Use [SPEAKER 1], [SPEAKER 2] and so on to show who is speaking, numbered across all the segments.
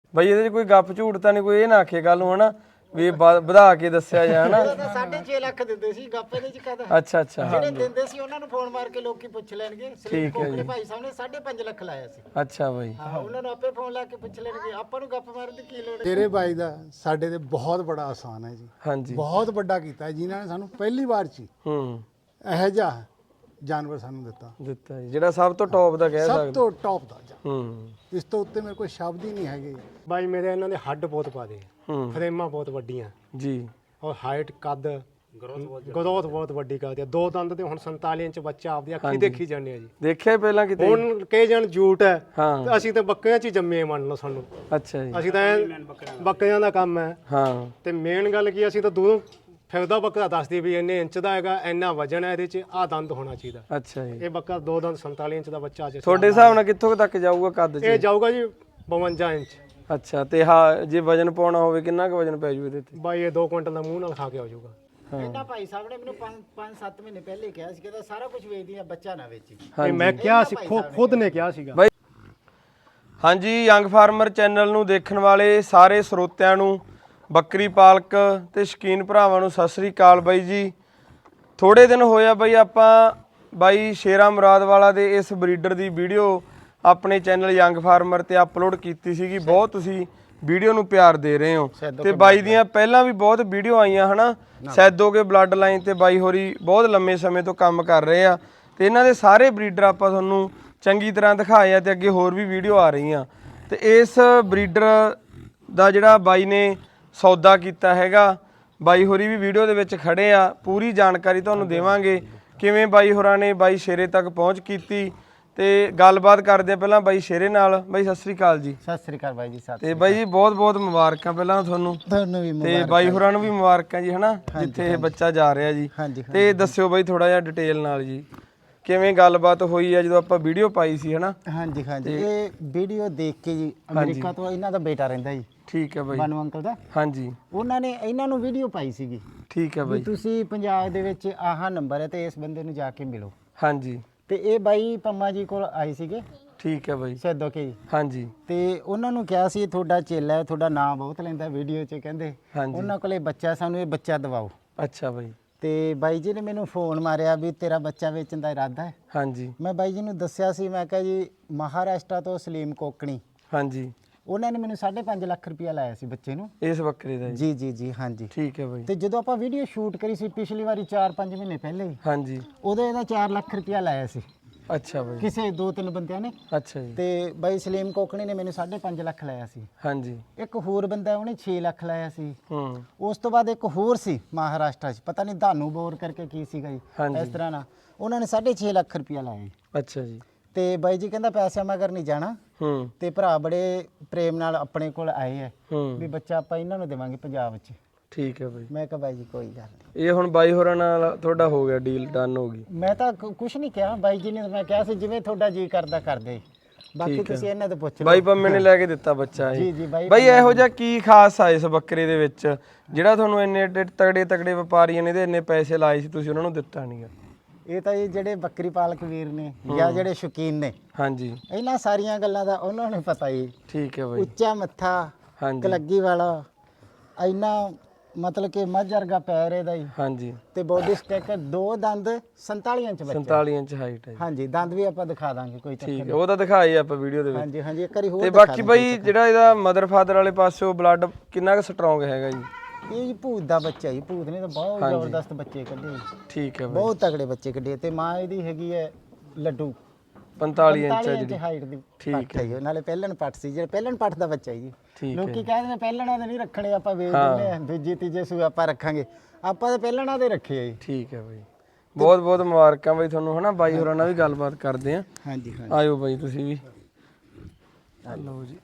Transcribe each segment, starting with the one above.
[SPEAKER 1] ਬਈ ਇਹਦੇ 'ਚ ਕੋਈ ਗੱਪ ਝੂਠ ਤਾਂ ਨਹੀਂ, ਕੋਈ ਇਹ ਨਾ ਆਖੇ ਕੱਲ ਨੂੰ ਹਨਾ ਵੀ ਵਧਾ ਕੇ ਦੱਸਿਆ ਜਾਣਾ।
[SPEAKER 2] 6.5 ਲੱਖ ਦਿੰਦੇ ਸੀ ਗੱਪੇ ਦੇ ਚ ਕਹਦਾ।
[SPEAKER 1] ਅੱਛਾ ਅੱਛਾ
[SPEAKER 2] ਜਿਹੜੇ ਦਿੰਦੇ ਸੀ ਉਹਨਾਂ ਨੂੰ ਫੋਨ ਮਾਰ ਕੇ ਲੋਕੀ ਪੁੱਛ ਲੈਣਗੇ। ਸਲੀਮ ਕੋਕੜੇ ਭਾਈ ਸਾਹਿਬ ਨੇ 5.5 ਲੱਖ ਲਾਇਆ ਸੀ।
[SPEAKER 1] ਅੱਛਾ ਬਾਈ,
[SPEAKER 2] ਹਾਂ ਉਹਨਾਂ ਨੂੰ ਆਪੇ ਫੋਨ ਲਾ ਕੇ ਪੁੱਛ ਲੈਣਗੇ, ਆਪਾਂ ਨੂੰ ਗੱਪ ਮਾਰਨ ਦੀ ਕੀ ਲੋੜ ਹੈ।
[SPEAKER 3] ਤੇਰੇ ਬਾਈ ਦਾ ਸਾਡੇ ਤੇ ਬਹੁਤ ਬੜਾ ਆਸਾਨ ਹੈ ਜੀ,
[SPEAKER 1] ਹਾਂਜੀ
[SPEAKER 3] ਬਹੁਤ ਵੱਡਾ ਕੀਤਾ ਜਿਨ੍ਹਾਂ ਨੇ ਸਾਨੂੰ ਪਹਿਲੀ ਵਾਰ ਚ ਇਹੋ ਜਿਹਾ ਜਾਨਵਰ ਸਾਨੂੰ ਦਿੱਤਾ
[SPEAKER 1] ਜੀ, ਜਿਹੜਾ ਸਭ ਤੋਂ ਟੌਪ ਦਾ ਕਹਿ
[SPEAKER 3] ਸਭ
[SPEAKER 1] ਸਕਦੇ।
[SPEAKER 3] ਤੋਂ ਟੌਪ ਦਾ ਇਸ ਤੋਂ ਉੱਤੇ ਮੇਰੇ ਕੋਲ ਸ਼ਬਦ ਹੀ ਨਹੀਂ ਹੈਗੇ।
[SPEAKER 4] ਬਾਈ ਮੇਰੇ ਇਹਨਾਂ ਦੇ ਹੱਡ ਬਹੁਤ ਪਾਦੇ, ਫਰੇਮਾਂ ਬਹੁਤ ਵੱਡੀਆਂ
[SPEAKER 1] ਜੀ,
[SPEAKER 4] ਔਰ ਹਾਈਟ ਕੱਦ ਗਰੋਥ ਬਹੁਤ ਵੱਡੀ ਕਰਦੇ ਆ। 2 ਦੰਦ ਤੇ ਹੁਣ 47 ਇੰਚ ਬੱਚਾ ਆਪਦੀ ਅੱਖੀ ਦੇਖੀ ਜਾਂਦੇ ਆ ਜੀ।
[SPEAKER 1] ਦੇਖਿਆ ਪਹਿਲਾਂ ਕਿਤੇ?
[SPEAKER 4] ਹੁਣ ਕਈ ਜਣ ਝੂਠ ਹੈ,
[SPEAKER 1] ਹਾਂ
[SPEAKER 4] ਤੇ ਅਸੀਂ ਤਾਂ ਬੱਕਰੀਆਂ 'ਚ ਹੀ ਜੰਮੇ ਮੰਨ ਲਓ ਸਾਨੂੰ।
[SPEAKER 1] ਅੱਛਾ ਜੀ,
[SPEAKER 4] ਅਸੀਂ ਤਾਂ ਬੱਕਰੀਆਂ ਦਾ ਕੰਮ ਹੈ।
[SPEAKER 1] ਹਾਂ
[SPEAKER 4] ਤੇ ਮੇਨ ਗੱਲ ਕੀ, ਅਸੀਂ ਤਾਂ ਦੂਰੋਂ ਫਿਰਦਾ ਬੱਕਰਾ ਦੱਸਦੀ ਵੀ ਇੰਨੇ ਇੰਚ ਦਾ ਹੈਗਾ, ਇੰਨਾ ਵਜਨ ਹੈ, ਇਹਦੇ 'ਚ ਆਹ ਦੰਦ ਹੋਣਾ ਚਾਹੀਦਾ।
[SPEAKER 1] ਅੱਛਾ ਜੀ,
[SPEAKER 4] ਇਹ ਬੱਕਰਾ 2 ਦੰਦ 47 ਇੰਚ ਦਾ ਬੱਚਾ ਅੱਜ
[SPEAKER 1] ਤੁਹਾਡੇ ਹਿਸਾਬ ਨਾਲ ਕਿੱਥੋਂ ਤੱਕ ਜਾਊਗਾ ਕੱਦ 'ਚ?
[SPEAKER 4] ਇਹ ਜਾਊਗਾ ਜੀ 52 ਇੰਚ।
[SPEAKER 1] ਅੱਛਾ, ਤੇ ਹਾਂ ਜੇ ਵਜਨ ਪਾਉਣਾ ਹੋਵੇ ਕਿੰਨਾ ਕੁ ਵਜਨ ਪੈ ਜੂ ਇਹਦੇ ਤੇ?
[SPEAKER 4] ਬਾਈ ਇਹ 2 ਕੁਇੰਟਲ ਦਾ ਮੂੰਹ ਨਾਲ ਖਾ ਕੇ ਆ ਜਾਊਗਾ।
[SPEAKER 2] ਇਹਨਾਂ ਭਾਈ ਸਾਹਿਬ ਨੇ ਮੈਨੂੰ 5-7 ਮਹੀਨੇ ਪਹਿਲੇ ਕਿਹਾ ਸੀ ਕਿ ਸਾਰਾ ਕੁਝ ਵੇਚਦੀ ਆ, ਬੱਚਾ ਨਾ ਵੇਚੀ।
[SPEAKER 4] ਇਹ ਮੈਂ ਕਿਹਾ ਸੀ, ਖੁਦ ਨੇ ਕਿਹਾ ਸੀਗਾ।
[SPEAKER 1] ਬਾਈ ਹਾਂਜੀ, ਯੰਗ ਫਾਰਮਰ ਚੈਨਲ ਨੂੰ ਦੇਖਣ ਵਾਲੇ ਸਾਰੇ ਸਰੋਤਿਆਂ ਨੂੰ, ਬੱਕਰੀ ਪਾਲਕ ਤੇ ਸ਼ੌਕੀਨ ਭਰਾਵਾਂ ਨੂੰ ਸਤਿ ਸ੍ਰੀ ਅਕਾਲ ਬਾਈ ਜੀ। ਥੋੜੇ ਦਿਨ ਹੋਇਆ ਬਾਈ ਆਪਾਂ ਬਾਈ ਸ਼ੇਰਾ ਮੁਰਾਦ ਵਾਲਾ ਦੇ ਇਸ ਬਰੀਡਰ ਦੀ ਵੀਡੀਓ ਆਪਣੇ ਚੈਨਲ ਯੰਗ ਫਾਰਮਰ ਤੇ ਅਪਲੋਡ ਕੀਤੀ ਸੀਗੀ। ਬਹੁਤ ਤੁਸੀਂ ਵੀਡੀਓ ਨੂੰ ਪਿਆਰ ਦੇ ਰਹੇ ਹੋ ਤੇ ਬਾਈ ਦੀਆਂ ਪਹਿਲਾਂ ਵੀ ਬਹੁਤ ਵੀਡੀਓ ਆਈਆਂ ਹਨਾ। ਸੈਦੋਗੇ ਬਲੱਡ ਲਾਈਨ ਤੇ ਬਾਈ ਹੋਰੀ ਬਹੁਤ ਲੰਮੇ ਸਮੇਂ ਤੋਂ ਕੰਮ ਕਰ ਰਹੇ ਆ ਤੇ ਇਹਨਾਂ ਦੇ ਸਾਰੇ ਬਰੀਡਰ ਆਪਾਂ ਤੁਹਾਨੂੰ ਚੰਗੀ ਤਰ੍ਹਾਂ ਦਿਖਾਏ ਆ ਤੇ ਅੱਗੇ ਹੋਰ ਵੀ ਵੀਡੀਓ ਆ ਰਹੀਆਂ। ਤੇ ਇਸ ਬਰੀਡਰ ਦਾ ਜਿਹੜਾ ਬਾਈ ਨੇ ਸੌਦਾ ਕੀਤਾ ਹੈਗਾ, ਬਾਈ ਹੋਰੀ ਵੀ ਵੀਡੀਓ ਦੇ ਵਿੱਚ ਖੜੇ ਆ, ਪੂਰੀ ਜਾਣਕਾਰੀ ਤੁਹਾਨੂੰ ਦੇਵਾਂਗੇ ਕਿਵੇਂ ਬਾਈ ਹੋਰਾਂ ਨੇ ਬਾਈ ਸ਼ੇਰੇ ਤੱਕ ਪਹੁੰਚ ਕੀਤੀ ਤੇ ਗੱਲਬਾਤ ਕਰਦੇ ਆ ਪਹਿਲਾਂ ਬਾਈ ਸ਼ੇਰੇ ਨਾਲ। ਬਾਈ ਸਤਿ ਸ੍ਰੀ ਅਕਾਲ ਜੀ।
[SPEAKER 2] ਸਤਿ ਸ੍ਰੀ ਅਕਾਲ ਬਾਈ ਜੀ।
[SPEAKER 1] ਤੇ ਬਾਈ ਜੀ ਬਹੁਤ ਬਹੁਤ ਮੁਬਾਰਕਾਂ ਪਹਿਲਾਂ ਤੁਹਾਨੂੰ
[SPEAKER 2] ਵੀ
[SPEAKER 1] ਤੇ ਬਾਈ ਹੋਰਾਂ ਨੂੰ ਵੀ ਮੁਬਾਰਕਾਂ ਜੀ ਹਨਾ, ਜਿੱਥੇ ਇਹ ਬੱਚਾ ਜਾ ਰਿਹਾ ਜੀ। ਤੇ ਦੱਸਿਓ ਬਾਈ ਥੋੜਾ ਜਿਹਾ ਡਿਟੇਲ ਨਾਲ ਜੀ ਕਿਵੇਂ ਗੱਲਬਾਤ ਹੋਈ ਆ ਜਦੋਂ ਆਪਾਂ ਵੀਡੀਓ ਪਾਈ ਸੀ ਹਨਾ।
[SPEAKER 2] ਹਾਂਜੀ ਹਾਂਜੀ, ਇਹ ਵੀਡੀਓ ਦੇਖ ਕੇ ਜੀ ਅਮਰੀਕਾ ਤੋਂ ਇਹਨਾਂ ਦਾ ਬੇਟਾ ਰਹਿੰਦਾ ਜੀ।
[SPEAKER 1] ਠੀਕ ਹੈ ਬਾਈ,
[SPEAKER 2] ਬਾਨੂ ਅੰਕਲ ਦਾ।
[SPEAKER 1] ਹਾਂਜੀ,
[SPEAKER 2] ਉਹਨਾਂ ਨੇ ਇਹਨਾਂ ਨੂੰ ਵੀਡੀਓ ਪਾਈ ਸੀਗੀ।
[SPEAKER 1] ਠੀਕ ਹੈ ਬਾਈ,
[SPEAKER 2] ਤੁਸੀਂ ਪੰਜਾਬ ਦੇ ਵਿੱਚ ਆਹ ਨੰਬਰ ਹੈ ਤੇ ਇਸ ਬੰਦੇ ਨੂੰ ਜਾ ਕੇ ਮਿਲੋ।
[SPEAKER 1] ਹਾਂਜੀ,
[SPEAKER 2] ਤੇ ਇਹ ਬਾਈ ਪੰਮਾ ਜੀ ਕੋਲ ਆਏ ਸੀਗੇ।
[SPEAKER 1] ਠੀਕ ਹੈ ਬਾਈ,
[SPEAKER 2] ਸੈਦੋ ਕੇ ਜੀ।
[SPEAKER 1] ਹਾਂਜੀ,
[SPEAKER 2] ਤੇ ਉਹਨਾਂ ਨੂੰ ਕਿਹਾ ਸੀ ਤੁਹਾਡਾ ਚੇਲਾ ਹੈ, ਤੁਹਾਡਾ ਨਾਮ ਬਹੁਤ ਲੈਂਦਾ ਵੀਡੀਓ 'ਚ, ਕਹਿੰਦੇ ਉਹਨਾਂ ਕੋਲੇ ਬੱਚਾ, ਸਾਨੂੰ ਇਹ ਬੱਚਾ ਦਿਵਾਓ।
[SPEAKER 1] ਅੱਛਾ ਬਾਈ,
[SPEAKER 2] ਤੇ ਬਾਈ ਜੀ ਨੇ ਮੈਨੂੰ ਫੋਨ ਮਾਰਿਆ ਵੀ ਤੇਰਾ ਬੱਚਾ ਵੇਚਣ ਦਾ ਇਰਾਦਾ ਹੈ।
[SPEAKER 1] ਹਾਂਜੀ,
[SPEAKER 2] ਮੈਂ ਬਾਈ ਜੀ ਨੂੰ ਦੱਸਿਆ ਸੀ, ਮੈਂ ਕਿਹਾ ਜੀ ਮਹਾਰਾਸ਼ਟਰ ਤੋਂ ਸਲੀਮ ਕੋਕਣੀ,
[SPEAKER 1] ਹਾਂਜੀ,
[SPEAKER 2] ਉਹਨਾਂ ਨੇ ਮੈਨੂੰ 5.5 ਲੱਖ ਰੁਪਇਆ ਲਾਇਆ ਸੀ ਬੱਚੇ ਨੂੰ।
[SPEAKER 1] ਇਸ ਬੱਕਰੇ ਦਾ
[SPEAKER 2] ਜੀ ਜੀ ਜੀ, ਹਾਂਜੀ।
[SPEAKER 1] ਠੀਕ ਹੈ ਬਾਈ।
[SPEAKER 2] ਤੇ ਜਦੋਂ ਆਪਾਂ ਵੀਡੀਓ ਸ਼ੂਟ ਕਰੀ ਸੀ ਪਿਛਲੀ ਵਾਰੀ 4-5 ਮਹੀਨੇ ਪਹਿਲੇ,
[SPEAKER 1] ਹਾਂਜੀ,
[SPEAKER 2] ਉਦੋਂ ਇਹਦਾ 4 ਲੱਖ ਰੁਪਇਆ ਲਾਇਆ ਸੀ
[SPEAKER 1] ਅੱਛਾ ਬਾਈ,
[SPEAKER 2] ਕਿਸੇ 2-3 ਬੰਦਿਆਂ ਨੇ।
[SPEAKER 1] ਅੱਛਾ ਜੀ,
[SPEAKER 2] ਤੇ ਬਾਈ ਸਲੀਮ ਕੋਕਣੀ ਨੇ ਮੈਨੂੰ 5.5 ਲੱਖ ਲਾਇਆ ਸੀ।
[SPEAKER 1] ਹਾਂਜੀ,
[SPEAKER 2] ਇੱਕ ਹੋਰ ਬੰਦਾ ਉਹਨੇ 6 ਲੱਖ ਲਾਇਆ ਸੀ।
[SPEAKER 1] ਹੂੰ,
[SPEAKER 2] ਉਸ ਤੋਂ ਬਾਅਦ ਇੱਕ ਹੋਰ ਸੀ ਮਹਾਰਾਸ਼ਟਰ 'ਚ, ਪਤਾ ਨਹੀਂ ਧਾਨੂ ਬੋਰ ਕਰਕੇ ਕੀ ਸੀਗਾ ਜੀ, ਇਸ ਤਰ੍ਹਾਂ ਨਾਲ ਉਹਨਾਂ ਨੇ 6.5 ਲੱਖ ਰੁਪਇਆ ਲਾਇਆ ਜੀ।
[SPEAKER 1] ਅੱਛਾ ਜੀ।
[SPEAKER 2] ਤੇ ਬਾਈ ਜੀ ਕਹਿੰਦਾ ਪੈਸਿਆਂ ਮਗਰ ਨਹੀਂ ਜਾਣਾ।
[SPEAKER 1] ਹੂੰ,
[SPEAKER 2] ਤੇ ਭਰਾ ਬੜੇ ਪ੍ਰੇਮ ਨਾਲ ਆਪਣੇ ਕੋਲ ਆਏ ਆ
[SPEAKER 1] ਹੂੰ,
[SPEAKER 2] ਵੀ ਬੱਚਾ ਆਪਾਂ ਇਹਨਾਂ ਨੂੰ ਦੇਵਾਂਗੇ ਪੰਜਾਬ 'ਚ।
[SPEAKER 1] ਠੀਕ ਹੈ ਬਾਈ।
[SPEAKER 2] ਮੈਂ ਕਿਹਾ ਬਾਈ ਜੀ ਕੋਈ ਗੱਲ ਨਹੀਂ।
[SPEAKER 1] ਇਹ ਹੁਣ ਬਾਈ ਹੋਰਾਂ ਨਾਲ ਤੁਹਾਡਾ ਹੋ ਗਿਆ ਡੀਲ, ਡਨ ਹੋ ਗਈ?
[SPEAKER 2] ਮੈਂ ਤਾਂ ਕੁਝ ਨਹੀਂ ਕਿਹਾ ਬਾਈ ਜੀ ਨੇ, ਮੈਂ ਕਿਹਾ ਸੀ ਜਿਵੇਂ ਤੁਹਾਡਾ ਜੀ ਕਰਦਾ ਕਰਦੇ, ਬਾਕੀ ਤੁਸੀਂ ਇਹਨਾਂ ਤੋਂ ਪੁੱਛ ਲਓ।
[SPEAKER 1] ਬਾਈ ਪੰਮੇ ਨੇ ਲੈ ਕੇ ਦਿੱਤਾ ਬੱਚਾ
[SPEAKER 2] ਜੀ
[SPEAKER 1] ਇਹ?
[SPEAKER 2] ਜੀ ਬਾਈ।
[SPEAKER 1] ਬਾਈ ਇਹੋ ਜਿਹਾ ਕੀ ਖਾਸ ਆ ਇਸ ਬੱਕਰੇ ਦੇ ਵਿੱਚ ਜਿਹੜਾ ਤੁਹਾਨੂੰ ਇੰਨੇ ਤਗੜੇ ਤਗੜੇ ਵਪਾਰੀਆਂ ਨੇ ਇਹਦੇ ਇੰਨੇ ਪੈਸੇ ਲਾਏ ਸੀ, ਤੁਸੀਂ ਉਹਨਾਂ ਨੂੰ ਦਿੱਤਾ ਨਹੀਂਗਾ?
[SPEAKER 2] ਇਹ ਤਾਂ ਇਹ ਜਿਹੜੇ ਬੱਕਰੀ ਪਾਲਕ ਵੀਰ ਨੇ ਜਾਂ ਜਿਹੜੇ ਸ਼ੌਕੀਨ ਨੇ,
[SPEAKER 1] ਹਾਂਜੀ,
[SPEAKER 2] ਇਹਨਾਂ ਸਾਰੀਆਂ ਗੱਲਾਂ ਦਾ ਉਹਨਾਂ ਨੂੰ ਪਤਾ ਹੀ।
[SPEAKER 1] ਠੀਕ ਹੈ ਬਾਈ।
[SPEAKER 2] ਉੱਚਾ ਮੱਥਾ,
[SPEAKER 1] ਹਾਂਜੀ,
[SPEAKER 2] ਕਲੱਗੀ ਵਾਲਾ, ਇੰਨਾ ਮਤਲਬ ਕਿ ਮੱਝ ਵਰਗਾ ਪੈਰ ਇਹਦਾ ਹੀ,
[SPEAKER 1] ਹਾਂਜੀ,
[SPEAKER 2] ਤੇ ਬੋਡੀ ਸਟ੍ਰਕਚਰ, 2 ਦੰਦ, 47 ਇੰਚ ਬੱਚਾ।
[SPEAKER 1] 47 ਇੰਚ ਹਾਈਟ ਹੈ ਜੀ।
[SPEAKER 2] ਹਾਂਜੀ, ਦੰਦ ਵੀ ਆਪਾਂ ਦਿਖਾ ਦਾਂਗੇ, ਕੋਈ ਚੱਕਰ
[SPEAKER 1] ਠੀਕ ਹੈ, ਉਹ ਤਾਂ ਦਿਖਾਈ ਆਪਾਂ ਵੀਡੀਓ ਦੇ ਵਿੱਚ।
[SPEAKER 2] ਹਾਂਜੀ ਹਾਂਜੀ, ਇੱਕ ਵਾਰੀ ਹੋਰ
[SPEAKER 1] ਤੇ
[SPEAKER 2] ਦਿਖਾ
[SPEAKER 1] ਬਾਕੀ
[SPEAKER 2] ਦਾਂਗੇ।
[SPEAKER 1] ਬਾਈ ਜਿਹੜਾ ਇਹਦਾ ਮਦਰ ਫਾਦਰ ਵਾਲੇ ਪਾਸਿਓਂ ਬਲੱਡ ਕਿੰਨਾ ਕੁ ਸਟਰੋਂਗ ਹੈਗਾ ਜੀ?
[SPEAKER 2] ਇਹ ਜੀ ਭੂਤ ਦਾ ਬੱਚਾ ਜੀ, ਭੂਤ ਨੇ ਤਾਂ ਬਹੁਤ ਜ਼ਬਰਦਸਤ ਬੱਚੇ ਕੱਢੇ,
[SPEAKER 1] ਠੀਕ ਹੈ ਬਾਈ,
[SPEAKER 2] ਬਹੁਤ ਤਗੜੇ ਬੱਚੇ ਕੱਢੇ। ਤੇ ਮਾਂ ਇਹਦੀ ਹੈਗੀ ਹੈ ਲੱਡੂ,
[SPEAKER 1] 45 ਇੰਚ ਹੈ
[SPEAKER 2] 45 ਇੰਚ
[SPEAKER 1] ਜਿਹੜੀ?
[SPEAKER 2] ਹਾਈਟ ਦੀ
[SPEAKER 1] ਠੀਕ
[SPEAKER 2] ਪੱਠ ਹੈ ਜੀ। ਨਾਲੇ ਪਹਿਲਣ ਪੱਠ ਸੀ, ਜਿਹੜਾ ਪਹਿਲਣ ਪੱਠ ਦਾ ਬੱਚਾ ਜੀ।
[SPEAKER 1] ਠੀਕ ਹੈ,
[SPEAKER 2] ਲੋਕੀ ਕਹਿੰਦੇ ਨੇ ਪਹਿਲਣਾ ਦੇ ਨਹੀਂ ਰੱਖਣੇ, ਆਪਾਂ ਵੇਚ ਦਿੰਦੇ ਆ, ਦੂਜੀ ਤੀਜੇ ਸੂ ਆਪਾਂ ਰੱਖਾਂਗੇ, ਆਪਾਂ ਤਾਂ ਪਹਿਲਣਾ ਦੇ ਰੱਖੇ ਆ ਜੀ।
[SPEAKER 1] ਠੀਕ ਹੈ ਬਾਈ, ਬਹੁਤ ਬਹੁਤ ਮੁਬਾਰਕਾਂ ਬਾਈ ਤੁਹਾਨੂੰ ਹਨਾ। ਬਾਈ ਹੋਰਾਂ ਨਾਲ ਵੀ ਗੱਲਬਾਤ ਕਰਦੇ ਆ।
[SPEAKER 2] ਹਾਂਜੀ ਹਾਂਜੀ,
[SPEAKER 1] ਆਇਓ ਬਾਈ ਤੁਸੀਂ ਵੀ। ਲਓ ਜੀ।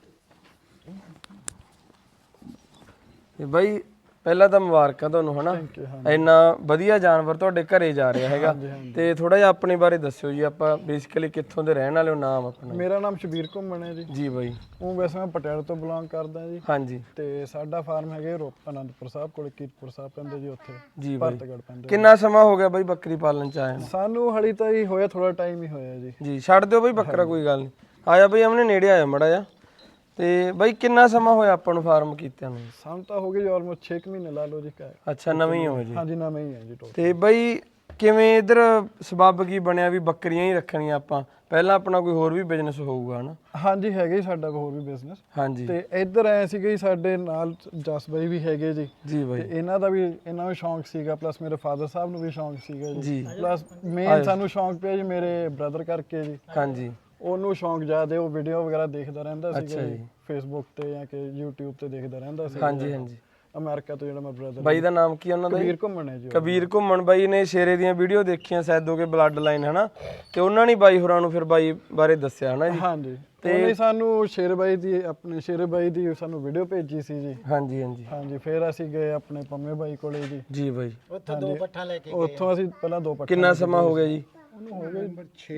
[SPEAKER 1] ਤੇ ਬਾਈ ਪਹਿਲਾਂ ਤਾਂ ਮੁਬਾਰਕਾਂ ਤੁਹਾਨੂੰ ਹਨਾ, ਇੰਨਾ ਵਧੀਆ ਜਾਨਵਰ ਤੁਹਾਡੇ ਘਰੇ ਜਾ ਰਿਹਾ ਹੈਗਾ। ਤੇ ਥੋੜਾ ਜਿਹਾ ਆਪਣੇ ਬਾਰੇ ਦੱਸਿਓ ਜੀ, ਆਪਾਂ ਬੇਸਿਕਲੀ ਕਿੱਥੋਂ ਦੇ ਰਹਿਣ ਵਾਲੇ ਹੋ? ਨਾਮ ਆਪਣਾ?
[SPEAKER 5] ਮੇਰਾ ਨਾਮ ਸ਼ਬੀਰ ਘੁੰਮਣ ਹੈ ਜੀ।
[SPEAKER 1] ਜੀ ਬਾਈ।
[SPEAKER 5] ਉਹ ਵੈਸੇ ਮੈਂ ਪਟਿਆਲੇ ਤੋਂ ਬਿਲੋਂਗ ਕਰਦਾ ਜੀ।
[SPEAKER 1] ਹਾਂਜੀ।
[SPEAKER 5] ਤੇ ਸਾਡਾ ਫਾਰਮ ਹੈਗੇ ਅਨੰਦਪੁਰ ਸਾਹਿਬ ਕੋਲ, ਕੀਰਤਪੁਰ ਸਾਹਿਬ ਪੈਂਦੇ ਜੀ, ਉੱਥੇ
[SPEAKER 1] ਜੀ ਬਾਈ।
[SPEAKER 5] ਭਰਤਗੜ ਪੈਂਦੇ।
[SPEAKER 1] ਕਿੰਨਾ ਸਮਾਂ ਹੋ ਗਿਆ ਬਾਈ ਬੱਕਰੀ ਪਾਲਣ ਚ ਆਇਆ ਨੂੰ?
[SPEAKER 5] ਸਾਨੂੰ ਹਲੀ ਤਾਂ ਹੀ ਹੋਇਆ, ਥੋੜਾ ਟਾਈਮ ਹੀ ਹੋਇਆ ਜੀ।
[SPEAKER 1] ਜੀ ਛੱਡ ਦਿਓ ਬਾਈ ਬੱਕਰਾ, ਕੋਈ ਗੱਲ ਨਹੀਂ। ਆਇਆ ਬਾਈ, ਆਮਨੇ ਨੇੜੇ ਆਇਆ ਮੜਾ ਜਾ। ਤੇ ਬਾਈ ਕਿੰਨਾ ਸਮਾਂ ਹੋਇਆ ਆਪਾਂ ਨੂੰ ਫਾਰਮ ਕੀਤਿਆਂ ਨੂੰ?
[SPEAKER 5] ਸਾਨੂੰ ਤਾਂ ਹੋ ਗਏ ਜੀ ਆਲਮੋਸਟ 6 ਮਹੀਨੇ ਲਾ ਲਓ ਜੀ ਕਾ।
[SPEAKER 1] ਅੱਛਾ ਨਵੇਂ ਹੀ ਹੋ ਜੀ।
[SPEAKER 5] ਹਾਂਜੀ ਨਵੇਂ ਹੀ ਹੈ ਜੀ ਟੋਟਲ।
[SPEAKER 1] ਤੇ ਬਾਈ ਕਿਵੇਂ ਇਧਰ ਸਬੱਬ ਕੀ ਬਣਿਆ ਵੀ ਬੱਕਰੀਆਂ ਹੀ ਰੱਖਣੀਆਂ ਆਪਾਂ? ਪਹਿਲਾਂ ਆਪਣਾ ਕੋਈ ਹੋਰ ਵੀ ਬਿਜ਼ਨਸ ਹੋਊਗਾ ਹਨਾ?
[SPEAKER 5] ਹਾਂਜੀ ਹੈਗੇ ਜੀ ਸਾਡਾ ਹੋਰ ਵੀ ਬਿਜ਼ਨਸ।
[SPEAKER 1] ਹਾਂਜੀ
[SPEAKER 5] ਤੇ ਇੱਧਰ ਐ ਸੀਗੇ ਜੀ ਸਾਡੇ ਨਾਲ ਜਸ ਬਾਈ ਵੀ ਹੈਗੇ ਜੀ।
[SPEAKER 1] ਜੀ ਬਾਈ।
[SPEAKER 5] ਤੇ ਇਹਨਾਂ ਦਾ ਵੀ ਇਹਨਾਂ ਨੂੰ ਸ਼ੌਂਕ ਸੀਗਾ ਪਲੱਸ ਮੇਰੇ ਫਾਦਰ ਸਾਹਿਬ ਨੂੰ ਵੀ ਸ਼ੌਂਕ ਸੀਗਾ
[SPEAKER 1] ਜੀ।
[SPEAKER 5] ਜੀ। ਪਲੱਸ ਮੇਨ ਸਾਨੂੰ ਸ਼ੌਂਕ ਪਿਆ ਜੀ ਮੇਰੇ ਬ੍ਰਦਰ ਕਰਕੇ ਜੀ।
[SPEAKER 1] ਹਾਂਜੀ
[SPEAKER 5] ਉਹਨੂੰ ਸ਼ੌਂਕ ਜ਼ਿਆਦਾ, ਉਹ ਵੀਡੀਓ ਵਗੈਰਾ ਦੇਖਦਾ ਰਹਿੰਦਾ ਸੀਗਾ
[SPEAKER 1] ਅੱਛਾ
[SPEAKER 5] ਜੀ
[SPEAKER 1] ਜੀ।
[SPEAKER 5] ਫੇਸਬੁੱਕ ਤੇ ਜਾਂ ਕਿ YouTube ਤੇ ਦੇਖਦਾ ਰਹਿੰਦਾ ਸੀ।
[SPEAKER 1] ਹਾਂਜੀ ਹਾਂਜੀ।
[SPEAKER 5] ਅਮਰੀਕਾ ਤੋਂ ਜਿਹੜਾ ਮੈਂ ਬ੍ਰਦਰ
[SPEAKER 1] ਬਾਈ ਦਾ ਨਾਮ ਕੀ ਉਹਨਾਂ ਦਾ?
[SPEAKER 5] ਕਬੀਰ ਘੁੰਮਣ ਹੈ ਜੀ।
[SPEAKER 1] ਕਬੀਰ ਘੁੰਮਣ ਬਾਈ ਨੇ ਸ਼ੇਰੇ ਦੀਆਂ ਵੀਡੀਓ ਦੇਖੀਆਂ ਸੈਦੋ ਕੇ ਬਲੱਡ ਲਾਈਨ ਹਨਾ, ਤੇ ਉਹਨਾਂ ਨੇ ਬਾਈ ਹੋਰਾਂ ਨੂੰ ਫਿਰ ਬਾਈ ਬਾਰੇ ਦੱਸਿਆ ਹਨਾ ਜੀ?
[SPEAKER 5] ਹਾਂਜੀ ਤੇ ਉਹਨੇ ਸਾਨੂੰ ਸ਼ੇਰ ਬਾਈ ਦੀ ਆਪਣੇ ਸ਼ੇਰ ਬਾਈ ਦੀ ਸਾਨੂੰ ਵੀਡੀਓ ਭੇਜੀ ਸੀ ਜੀ।
[SPEAKER 1] ਹਾਂਜੀ ਹਾਂਜੀ
[SPEAKER 5] ਹਾਂਜੀ ਫਿਰ ਅਸੀਂ ਗਏ ਆਪਣੇ ਪੰਮੇ ਬਾਈ ਕੋਲੇ ਜੀ।
[SPEAKER 1] ਜੀ ਬਾਈ।
[SPEAKER 2] ਉੱਥੋਂ 2 ਪੱਠਾ ਲੈ ਕੇ
[SPEAKER 5] ਉੱਥੋਂ ਅਸੀਂ ਪਹਿਲਾਂ 2 ਪੱਠੇ।
[SPEAKER 1] ਕਿੰਨਾ ਸਮਾਂ ਹੋ ਗਿਆ ਜੀ?
[SPEAKER 5] ਉਹਨੂੰ ਹੋ ਗਏ
[SPEAKER 3] ਨੰਬਰ 6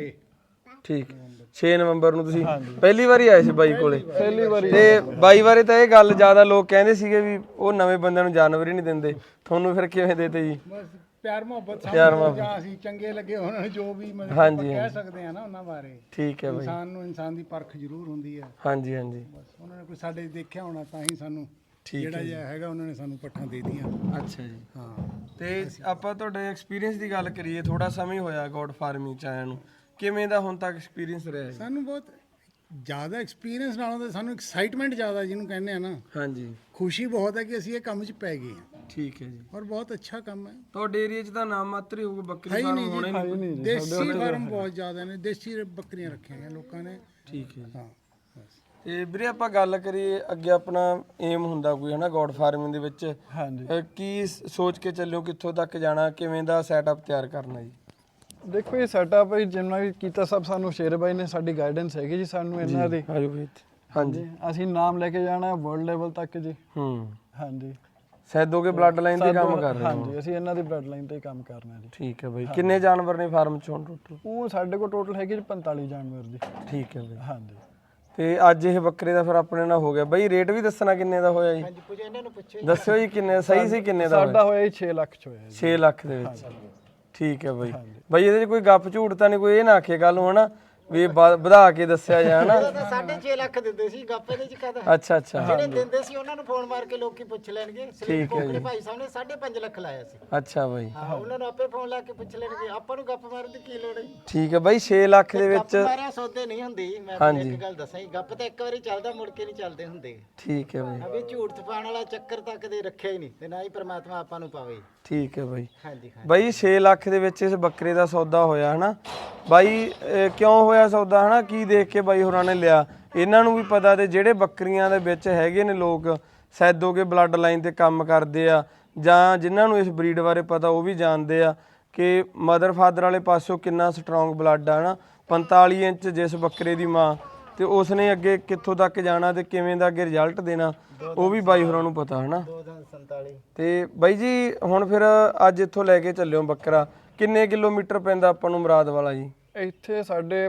[SPEAKER 1] ਠੀਕ 6 ਨਵੰਬਰ ਨੂੰ ਤੁਸੀਂ ਪਹਿਲੀ ਵਾਰੀ ਆਏ ਸੀ ਬਾਈ ਕੋਲੇ?
[SPEAKER 5] ਪਹਿਲੀ ਵਾਰੀ।
[SPEAKER 1] ਤੇ ਬਾਈ ਬਾਰੇ ਤਾਂ ਇਹ ਗੱਲ ਜ਼ਿਆਦਾ ਲੋਕ ਕਹਿੰਦੇ ਸੀਗੇ ਵੀ ਉਹ ਨਵੇਂ ਬੰਦਿਆਂ ਨੂੰ ਜਾਨਵਰ ਹੀ ਨਹੀਂ ਦਿੰਦੇ, ਤੁਹਾਨੂੰ ਫਿਰ ਕਿਵੇਂ ਦੇਤੇ ਜੀ?
[SPEAKER 3] ਬਸ ਪਿਆਰ ਮੁਹੱਬਤ
[SPEAKER 1] ਪਿਆਰ
[SPEAKER 3] ਸਾਨੂੰ
[SPEAKER 1] ਮੁਹੱਬਤ।
[SPEAKER 3] ਜਾਂ ਅਸੀਂ ਚੰਗੇ ਲੱਗੇ ਉਹਨਾਂ ਨੂੰ ਜੋ ਵੀ ਮਤਲਬ
[SPEAKER 1] ਹਾਂਜੀ,
[SPEAKER 3] ਆਪਾਂ ਕਹਿ
[SPEAKER 1] ਹਾਂਜੀ।
[SPEAKER 3] ਸਕਦੇ ਆ ਨਾ ਉਹਨਾਂ ਬਾਰੇ।
[SPEAKER 1] ਠੀਕ ਹੈ ਬਾਈ।
[SPEAKER 3] ਇਨਸਾਨ ਨੂੰ ਇਨਸਾਨ ਦੀ ਪਰਖ ਜ਼ਰੂਰ ਹੁੰਦੀ ਹੈ।
[SPEAKER 1] ਹਾਂਜੀ ਹਾਂਜੀ।
[SPEAKER 3] ਬਸ ਉਹਨਾਂ ਨੇ ਕੋਈ ਸਾਡੇ ਦੇਖਿਆ ਹੋਣਾ ਤਾਂ ਹੀ ਸਾਨੂੰ
[SPEAKER 1] ਠੀਕ
[SPEAKER 3] ਜਿਹੜਾ ਜਿਹਾ ਹੈਗਾ ਉਹਨਾਂ ਨੇ ਸਾਨੂੰ ਪੱਠਾਂ ਦੇ ਦਿੱਤੀਆਂ।
[SPEAKER 1] ਅੱਛਾ ਜੀ।
[SPEAKER 3] ਹਾਂ
[SPEAKER 1] ਤੇ ਆਪਾਂ ਤੁਹਾਡੇ ਐਕਸਪੀਰੀਅੰਸ ਦੀ ਗੱਲ ਕਰੀਏ, ਥੋੜਾ ਸਮਾਂ ਹੀ ਹੋਇਆ ਗੋਡ ਫਾਰਮਿੰਗ ਚ ਆਇਆ ਨੂੰ, ਕਿਵੇਂ ਦਾ ਹੁਣ ਤੱਕ ਐਕਸਪੀਰੀਅੰਸ ਰਿਹਾ ਜੀ?
[SPEAKER 3] ਸਾਨੂੰ ਬਹੁਤ ਜ਼ਿਆਦਾ ਐਕਸਪੀਰੀਅੰਸ ਨਾਲੋਂ ਤਾਂ ਸਾਨੂੰ ਐਕਸਾਈਟਮੈਂਟ ਜ਼ਿਆਦਾ ਜਿਹਨੂੰ ਕਹਿੰਦੇ ਆ ਨਾ,
[SPEAKER 1] ਹਾਂਜੀ
[SPEAKER 3] ਖੁਸ਼ੀ ਬਹੁਤ ਹੈ ਕਿ ਅਸੀਂ ਇਹ ਕੰਮ 'ਚ ਪੈ ਗਏ ਹਾਂ
[SPEAKER 1] ਠੀਕ ਹੈ ਜੀ।
[SPEAKER 3] ਔਰ ਬਹੁਤ ਅੱਛਾ ਕੰਮ ਹੈ।
[SPEAKER 1] ਤੁਹਾਡੇ ਏਰੀਆ 'ਚ ਤਾਂ ਨਾਮ ਮਾਤਰ ਹੀ ਹੋਊਗਾ,
[SPEAKER 3] ਹੈ
[SPEAKER 1] ਬੱਕਰੀ
[SPEAKER 3] ਹੀ
[SPEAKER 1] ਫਾਰਮ
[SPEAKER 3] ਨਹੀਂ
[SPEAKER 1] ਹੋਣੇ ਨਹੀਂ।
[SPEAKER 3] ਜੀ, ਦੇਸੀ ਫਾਰਮ ਬਹੁਤ ਜ਼ਿਆਦਾ ਨੇ, ਦੇਸੀ ਬੱਕਰੀਆਂ ਰੱਖੀਆਂ ਹੋਈਆਂ ਲੋਕਾਂ ਨੇ।
[SPEAKER 1] ਠੀਕ ਹੈ ਜੀ।
[SPEAKER 3] ਹਾਂ ਬਸ
[SPEAKER 1] ਤੇ ਵੀਰੇ ਆਪਾਂ ਗੱਲ ਕਰੀਏ ਅੱਗੇ ਆਪਣਾ ਏਮ ਹੁੰਦਾ ਕੋਈ ਹਨਾ ਗੋਡ ਫਾਰਮਿੰਗ ਦੇ ਵਿੱਚ,
[SPEAKER 5] ਹਾਂਜੀ
[SPEAKER 1] ਕੀ ਸੋਚ ਕੇ ਚੱਲਿਓ ਕਿੱਥੋਂ ਤੱਕ ਜਾਣਾ, ਕਿਵੇਂ ਦਾ ਸੈਟਅਪ ਤਿਆਰ ਕਰਨਾ ਜੀ?
[SPEAKER 5] ਦੇਖੋ ਇਹ ਸੈਟਅਪ ਹੈ ਜਿੰਨਾ ਵੀ ਕੀਤਾ ਸਭ ਸਾਨੂੰ ਸ਼ੇਰ ਬਾਈ ਨੇ ਸਾਡੀ ਗਾਈਡੈਂਸ ਹੈਗੀ ਜੀ ਸਾਨੂੰ ਇਹਨਾਂ ਦੀ।
[SPEAKER 1] ਆਜੋ ਵੀਰ। ਹਾਂਜੀ
[SPEAKER 5] ਅਸੀਂ ਨਾਮ ਲੈ ਕੇ ਜਾਣਾ ਵਰਲਡ ਲੈਵਲ ਤੱਕ ਜੀ। ਹਾਂਜੀ
[SPEAKER 1] ਸੈਦੋ ਕੇ ਬਲੱਡ ਲਾਈਨ ਤੇ ਕੰਮ ਕਰ ਰਹੇ ਹੋ?
[SPEAKER 5] ਹਾਂਜੀ ਅਸੀਂ ਇਹਨਾਂ ਦੀ ਬਲੱਡ ਲਾਈਨ ਤੇ ਹੀ ਕੰਮ ਕਰਨਾ ਜੀ।
[SPEAKER 1] ਠੀਕ ਹੈ ਬਾਈ। ਕਿੰਨੇ ਜਾਨਵਰ ਨੇ ਫਾਰਮ 'ਚ ਹੁਣ ਟੋਟਲ?
[SPEAKER 5] ਉਹ ਸਾਡੇ ਕੋਲ ਟੋਟਲ ਹੈਗੇ ਜੀ 45 ਜਾਨਵਰ ਜੀ।
[SPEAKER 1] ਠੀਕ ਹੈ ਬਾਈ।
[SPEAKER 5] ਹਾਂਜੀ
[SPEAKER 1] ਤੇ ਅੱਜ ਇਹ ਬੱਕਰੇ ਦਾ ਫਿਰ ਆਪਣੇ ਨਾਲ ਹੋ ਗਿਆ ਬਾਈ, ਰੇਟ ਵੀ ਦੱਸਣਾ ਕਿੰਨੇ ਦਾ ਹੋਇਆ ਜੀ?
[SPEAKER 2] ਹਾਂਜੀ ਪੁੱਛੋ ਇਹਨਾਂ ਨੂੰ ਪੁੱਛੋ।
[SPEAKER 1] ਦੱਸਿਓ ਜੀ ਕਿੰਨੇ ਸਹੀ ਸੀ, ਕਿੰਨੇ ਦਾ
[SPEAKER 5] ਸਾਡਾ ਹੋਇਆ ਜੀ 6 ਲੱਖ ਚ ਹੋਇਆ ਜੀ।
[SPEAKER 1] 6 ਲੱਖ ਦੇ ਵਿੱਚ। ਠੀਕ ਹੈ ਬਾਈ। ਬਾਈ ਇਹਦੇ 'ਚ ਕੋਈ ਗੱਪ ਝੂਠ ਤਾਂ ਨਹੀਂ, ਕੋਈ ਇਹ ਨਾ ਆਖੇ ਗੱਲ ਨੂੰ ਹਨਾ ਵੀ ਇਹ ਵਧਾ ਕੇ ਦੱਸਿਆ ਜਾ ਹਨਾ?
[SPEAKER 2] 6.5 ਲੱਖ ਦਿੰਦੇ ਸੀ ਗੱਪੇ ਦੇ ਚ ਕਹਦਾ।
[SPEAKER 1] ਅੱਛਾ ਅੱਛਾ।
[SPEAKER 2] ਜਿਹੜੇ ਦਿੰਦੇ ਸੀ ਉਹਨਾਂ ਨੂੰ ਫੋਨ ਮਾਰ ਕੇ ਲੋਕੀ ਪੁੱਛ ਲੈਣਗੇ।
[SPEAKER 1] ਠੀਕ ਹੈ ਜੀ।
[SPEAKER 2] ਭਾਈ ਸਾਹਿਬ ਨੇ 5.5 ਲੱਖ ਲਾਇਆ ਸੀ।
[SPEAKER 1] ਅੱਛਾ ਬਾਈ।
[SPEAKER 2] ਹਾਂ ਉਹਨਾਂ ਨੂੰ ਆਪੇ ਫੋਨ ਲਾ ਕੇ ਪੁੱਛ ਲੈਣਗੇ, ਆਪਾਂ ਨੂੰ ਗੱਪ ਮਾਰਨ ਦੀ ਕੀ ਲੋੜ ਹੈ?
[SPEAKER 1] ਠੀਕ ਹੈ ਬਾਈ। 6 ਲੱਖ ਦੇ ਵਿੱਚ
[SPEAKER 2] ਗੱਪ ਮਾਰਿਆ ਸੌਦੇ ਨਹੀਂ ਹੁੰਦੀ। ਮੈਂ ਤੁਹਾਨੂੰ ਇੱਕ ਗੱਲ ਦੱਸਾਂ ਜੀ, ਗੱਪ ਤਾਂ ਇੱਕ ਵਾਰੀ ਚੱਲਦਾ ਮੁੜ ਕੇ ਨਹੀਂ ਚੱਲਦੇ ਹੁੰਦੇ।
[SPEAKER 1] ਠੀਕ ਹੈ ਬਾਈ।
[SPEAKER 2] ਅਬੇ ਝੂਠ ਤਪਾਉਣ ਵਾਲਾ ਚੱਕਰ ਤਾਂ ਕਦੇ ਰੱਖਿਆ ਹੀ ਨਹੀਂ ਤੇ ਨਾ ਹੀ ਪ੍ਰਮਾਤਮਾ ਆਪਾਂ ਨੂੰ ਪਾਵੇ।
[SPEAKER 1] ਠੀਕ ਹੈ ਬਾਈ।
[SPEAKER 2] ਹਾਂਜੀ ਹਾਂ
[SPEAKER 1] ਬਾਈ 6 ਲੱਖ ਦੇ ਵਿੱਚ ਇਸ ਬੱਕਰੇ ਦਾ ਸੌਦਾ ਹੋਇਆ ਹਨਾ ਬਾਈ? ਕਿਉਂ ਹੋਇਆ ਸੌਦਾ ਹਨਾ? ਕੀ ਦੇਖ ਕੇ ਬਾਈ ਹੋਰਾਂ ਨੇ ਲਿਆ? ਇਹਨਾਂ ਨੂੰ ਵੀ ਪਤਾ ਤੇ ਜਿਹੜੇ ਬੱਕਰੀਆਂ ਦੇ ਵਿੱਚ ਹੈਗੇ ਨੇ ਲੋਕ ਸੈਦੋ ਕੇ ਬਲੱਡ ਲਾਈਨ ਤੇ ਕੰਮ ਕਰਦੇ ਆ ਜਾਂ ਜਿਨ੍ਹਾਂ ਨੂੰ ਇਸ ਬਰੀਡ ਬਾਰੇ ਪਤਾ ਉਹ ਵੀ ਜਾਣਦੇ ਆ ਕਿ ਮਦਰ ਫਾਦਰ ਵਾਲੇ ਪਾਸਿਓਂ ਕਿੰਨਾ ਸਟਰੋਂਗ ਬਲੱਡ ਆ ਹਨਾ। 45 ਇੰਚ ਜਿਸ ਬੱਕਰੇ ਦੀ ਮਾਂ, ਤੇ ਉਸਨੇ ਅੱਗੇ ਕਿੱਥੋਂ ਤੱਕ ਜਾਣਾ ਤੇ ਕਿਵੇਂ ਦਾ ਅੱਗੇ ਰਿਜ਼ਲਟ ਦੇਣਾ ਉਹ ਵੀ ਬਾਈ ਹੋਰਾਂ ਨੂੰ ਪਤਾ ਹਨਾ।
[SPEAKER 2] 247
[SPEAKER 1] ਤੇ ਬਾਈ ਜੀ ਹੁਣ ਫਿਰ ਅੱਜ ਇੱਥੋਂ ਲੈ ਕੇ ਚੱਲਿਓ ਬੱਕਰਾ, ਕਿੰਨੇ ਕਿਲੋਮੀਟਰ ਪੈਂਦਾ ਆਪਾਂ ਨੂੰ ਮੁਰਾਦ ਵਾਲਾ ਜੀ?
[SPEAKER 5] ਇੱਥੇ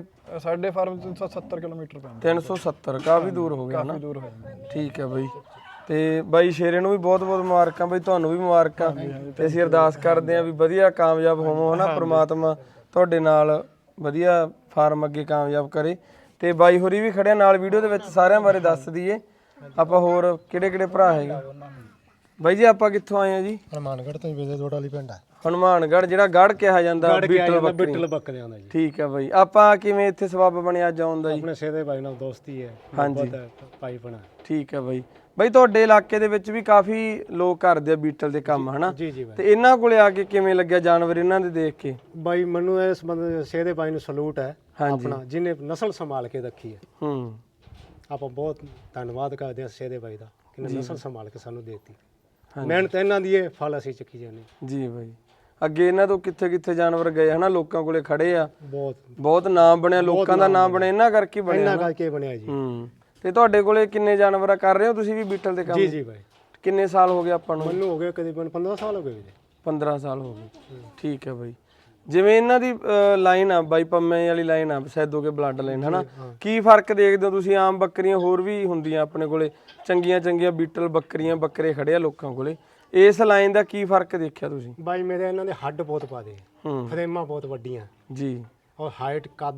[SPEAKER 5] ਸਾਡੇ ਫਾਰਮ 370 ਕਿਲੋਮੀਟਰ ਪੈਂਦਾ।
[SPEAKER 1] 370 ਕਾਫੀ ਦੂਰ ਹੋ ਗਿਆ ਨਾ?
[SPEAKER 5] ਕਾਫੀ ਦੂਰ ਹੋ ਜਾਂਦਾ।
[SPEAKER 1] ਠੀਕ ਹੈ ਬਾਈ। ਤੇ ਬਾਈ ਸ਼ੇਰੇ ਨੂੰ ਵੀ ਬਹੁਤ ਬਹੁਤ ਮੁਬਾਰਕਾਂ ਬਾਈ, ਤੁਹਾਨੂੰ ਵੀ ਮੁਬਾਰਕਾਂ। ਤੇ ਅਸੀਂ ਅਰਦਾਸ ਕਰਦੇ ਹਾਂ ਵੀ ਵਧੀਆ ਕਾਮਯਾਬ ਹੋਵੋ ਹਨਾ, ਪ੍ਰਮਾਤਮਾ ਤੁਹਾਡੇ ਨਾਲ ਵਧੀਆ ਫਾਰਮ ਅੱਗੇ ਕਾਮਯਾਬ ਕਰੇ। ਤੇ ਬਾਈ ਹੋਰੀ ਵੀ ਖੜਿਆ ਨਾਲ ਵੀਡੀਓ ਦੇ ਵਿੱਚ, ਸਾਰਿਆਂ ਬਾਰੇ ਦੱਸ ਦਈਏ ਆਪਾਂ ਹੋਰ ਕਿਹੜੇ ਕਿਹੜੇ ਭਰਾ ਹੈਗੇ ਬਾਈ ਜੀ? ਆਪਾਂ ਕਿੱਥੋਂ ਆਏ ਆ ਜੀ?
[SPEAKER 4] ਹਨੂਮਾਨਗੜ੍ਹ ਤੋਂ ਵੇਦੇ ਦੋੜ ਵਾਲੀ ਪਿੰਡ ਹੈ।
[SPEAKER 1] ਹਨੂਮਾਨਗੜ੍ਹ, ਜਿਹੜਾ ਗੜ ਕਿਹਾ ਜਾਂਦਾ ਬੀਟਲ
[SPEAKER 4] ਬੱਕਰਿਆਂ ਦਾ ਜੀ।
[SPEAKER 1] ਠੀਕ ਹੈ ਬਾਈ। ਆਪਾਂ ਕਿਵੇਂ ਇੱਥੇ ਸਬੱਬ ਬਣਿਆ ਅੱਜ ਆਉਣ ਦਾ ਜੀ?
[SPEAKER 4] ਆਪਣੇ ਸੇਦੇ ਭਾਈ ਨਾਲ ਦੋਸਤੀ ਹੈ।
[SPEAKER 1] ਹਾਂਜੀ
[SPEAKER 4] ਭਾਈ ਬਣਾ।
[SPEAKER 1] ਠੀਕ ਹੈ ਬਾਈ। ਬਾਈ ਤੁਹਾਡੇ ਇਲਾਕੇ ਦੇ ਵਿੱਚ ਵੀ ਕਾਫੀ ਲੋਕ ਕਰਦੇ ਆ ਬੀਟਲ ਦੇ ਕੰਮ ਹਨਾ?
[SPEAKER 4] ਜੀ ਜੀ ਬਾਈ।
[SPEAKER 1] ਤੇ ਇਹਨਾਂ ਕੋਲੇ ਆ ਕੇ ਕਿਵੇਂ ਲੱਗਿਆ ਜਾਨਵਰ ਇਹਨਾਂ ਦੇ ਦੇਖ ਕੇ?
[SPEAKER 4] ਬਾਈ ਮੈਨੂੰ ਇਸ ਬੰਦੇ ਸੇਦੇ ਭਾਈ ਨੂੰ ਸਲੂਟ ਹੈ ਆਪਣਾ, ਜਿਹਨੇ ਨਸਲ ਸੰਭਾਲ ਕੇ ਰੱਖੀ ਹੈ। ਆਪਾਂ ਬਹੁਤ ਧੰਨਵਾਦ ਕਰਦੇ ਹਾਂ ਸੇਦੇ ਭਾਈ ਦਾ, ਕਿਨੇ ਨਸਲ ਸੰਭਾਲ ਕੇ ਸਾਨੂੰ ਦੇਤੀ। ਮਿਹਨਤ ਇਹਨਾਂ ਦੀ ਇਹ ਫਲ ਅਸੀਂ ਚੱਕੀ ਜਾਂਦੇ
[SPEAKER 1] ਜੀ ਬਾਈ। ਅੱਗੇ ਇਹਨਾਂ ਤੋਂ ਕਿੱਥੇ ਕਿੱਥੇ ਜਾਨਵਰ ਗਏ ਹਨਾ, ਲੋਕਾਂ ਕੋਲੇ ਖੜੇ ਆ,
[SPEAKER 4] ਬਹੁਤ
[SPEAKER 1] ਨਾਮ ਬਣਿਆ, ਲੋਕਾਂ ਦਾ ਨਾਮ ਬਣਿਆ ਇਹਨਾਂ ਕਰਕੇ ਬਣਿਆ।
[SPEAKER 4] ਇਹਨਾਂ ਕਰਕੇ ਬਣਿਆ ਜੀ।
[SPEAKER 1] ਤੇ ਤੁਹਾਡੇ ਕੋਲੇ ਕਿੰਨੇ ਜਾਨਵਰ ਕਰ ਰਹੇ ਹੋ ਤੁਸੀਂ ਵੀ ਬੀਟਲ ਦੇ ਕੰਮ?
[SPEAKER 4] ਜੀ ਜੀ ਬਾਈ।
[SPEAKER 1] ਕਿੰਨੇ ਸਾਲ ਹੋ ਗਏ ਆਪਾਂ ਨੂੰ?
[SPEAKER 4] ਮੈਨੂੰ ਹੋ ਗਏ ਕਰੀਬਨ 15 ਸਾਲ ਹੋ ਗਏ ਜੀ।
[SPEAKER 1] 15 ਸਾਲ ਹੋ ਗਏ। ਠੀਕ ਹੈ ਬਾਈ। ਜਿਵੇਂ ਇਹਨਾਂ ਦੀ ਲਾਈਨ ਆ ਬਾਈ ਪੰਮੇ ਵਾਲੀ ਲਾਈਨ ਆ ਸੈਦੋ ਕੇ ਬਲੱਡ ਲਾਈਨ ਹਨਾ, ਕੀ ਫਰਕ ਦੇਖਦੇ ਹੋ ਤੁਸੀਂ? ਆਮ ਬੱਕਰੀਆਂ ਹੋਰ ਵੀ ਹੁੰਦੀਆਂ ਆਪਣੇ ਕੋਲੇ, ਚੰਗੀਆਂ ਚੰਗੀਆਂ ਬੀਟਲ ਬੱਕਰੀਆਂ, ਬੱਕਰੇ ਖੜੇ ਆ ਲੋਕਾਂ ਕੋਲੇ, ਇਸ ਲਾਈਨ ਦਾ ਕੀ ਫਰਕ ਦੇਖਿਆ ਤੁਸੀਂ?
[SPEAKER 4] ਬਾਈ ਮੇਰੇ ਇਹਨਾਂ ਦੇ ਹੱਡ ਬਹੁਤ ਪਾਦੇ, ਫਰੇਮਾਂ ਬਹੁਤ ਵੱਡੀਆਂ
[SPEAKER 1] ਜੀ,
[SPEAKER 4] ਔਰ ਹਾਈਟ ਕੱਦ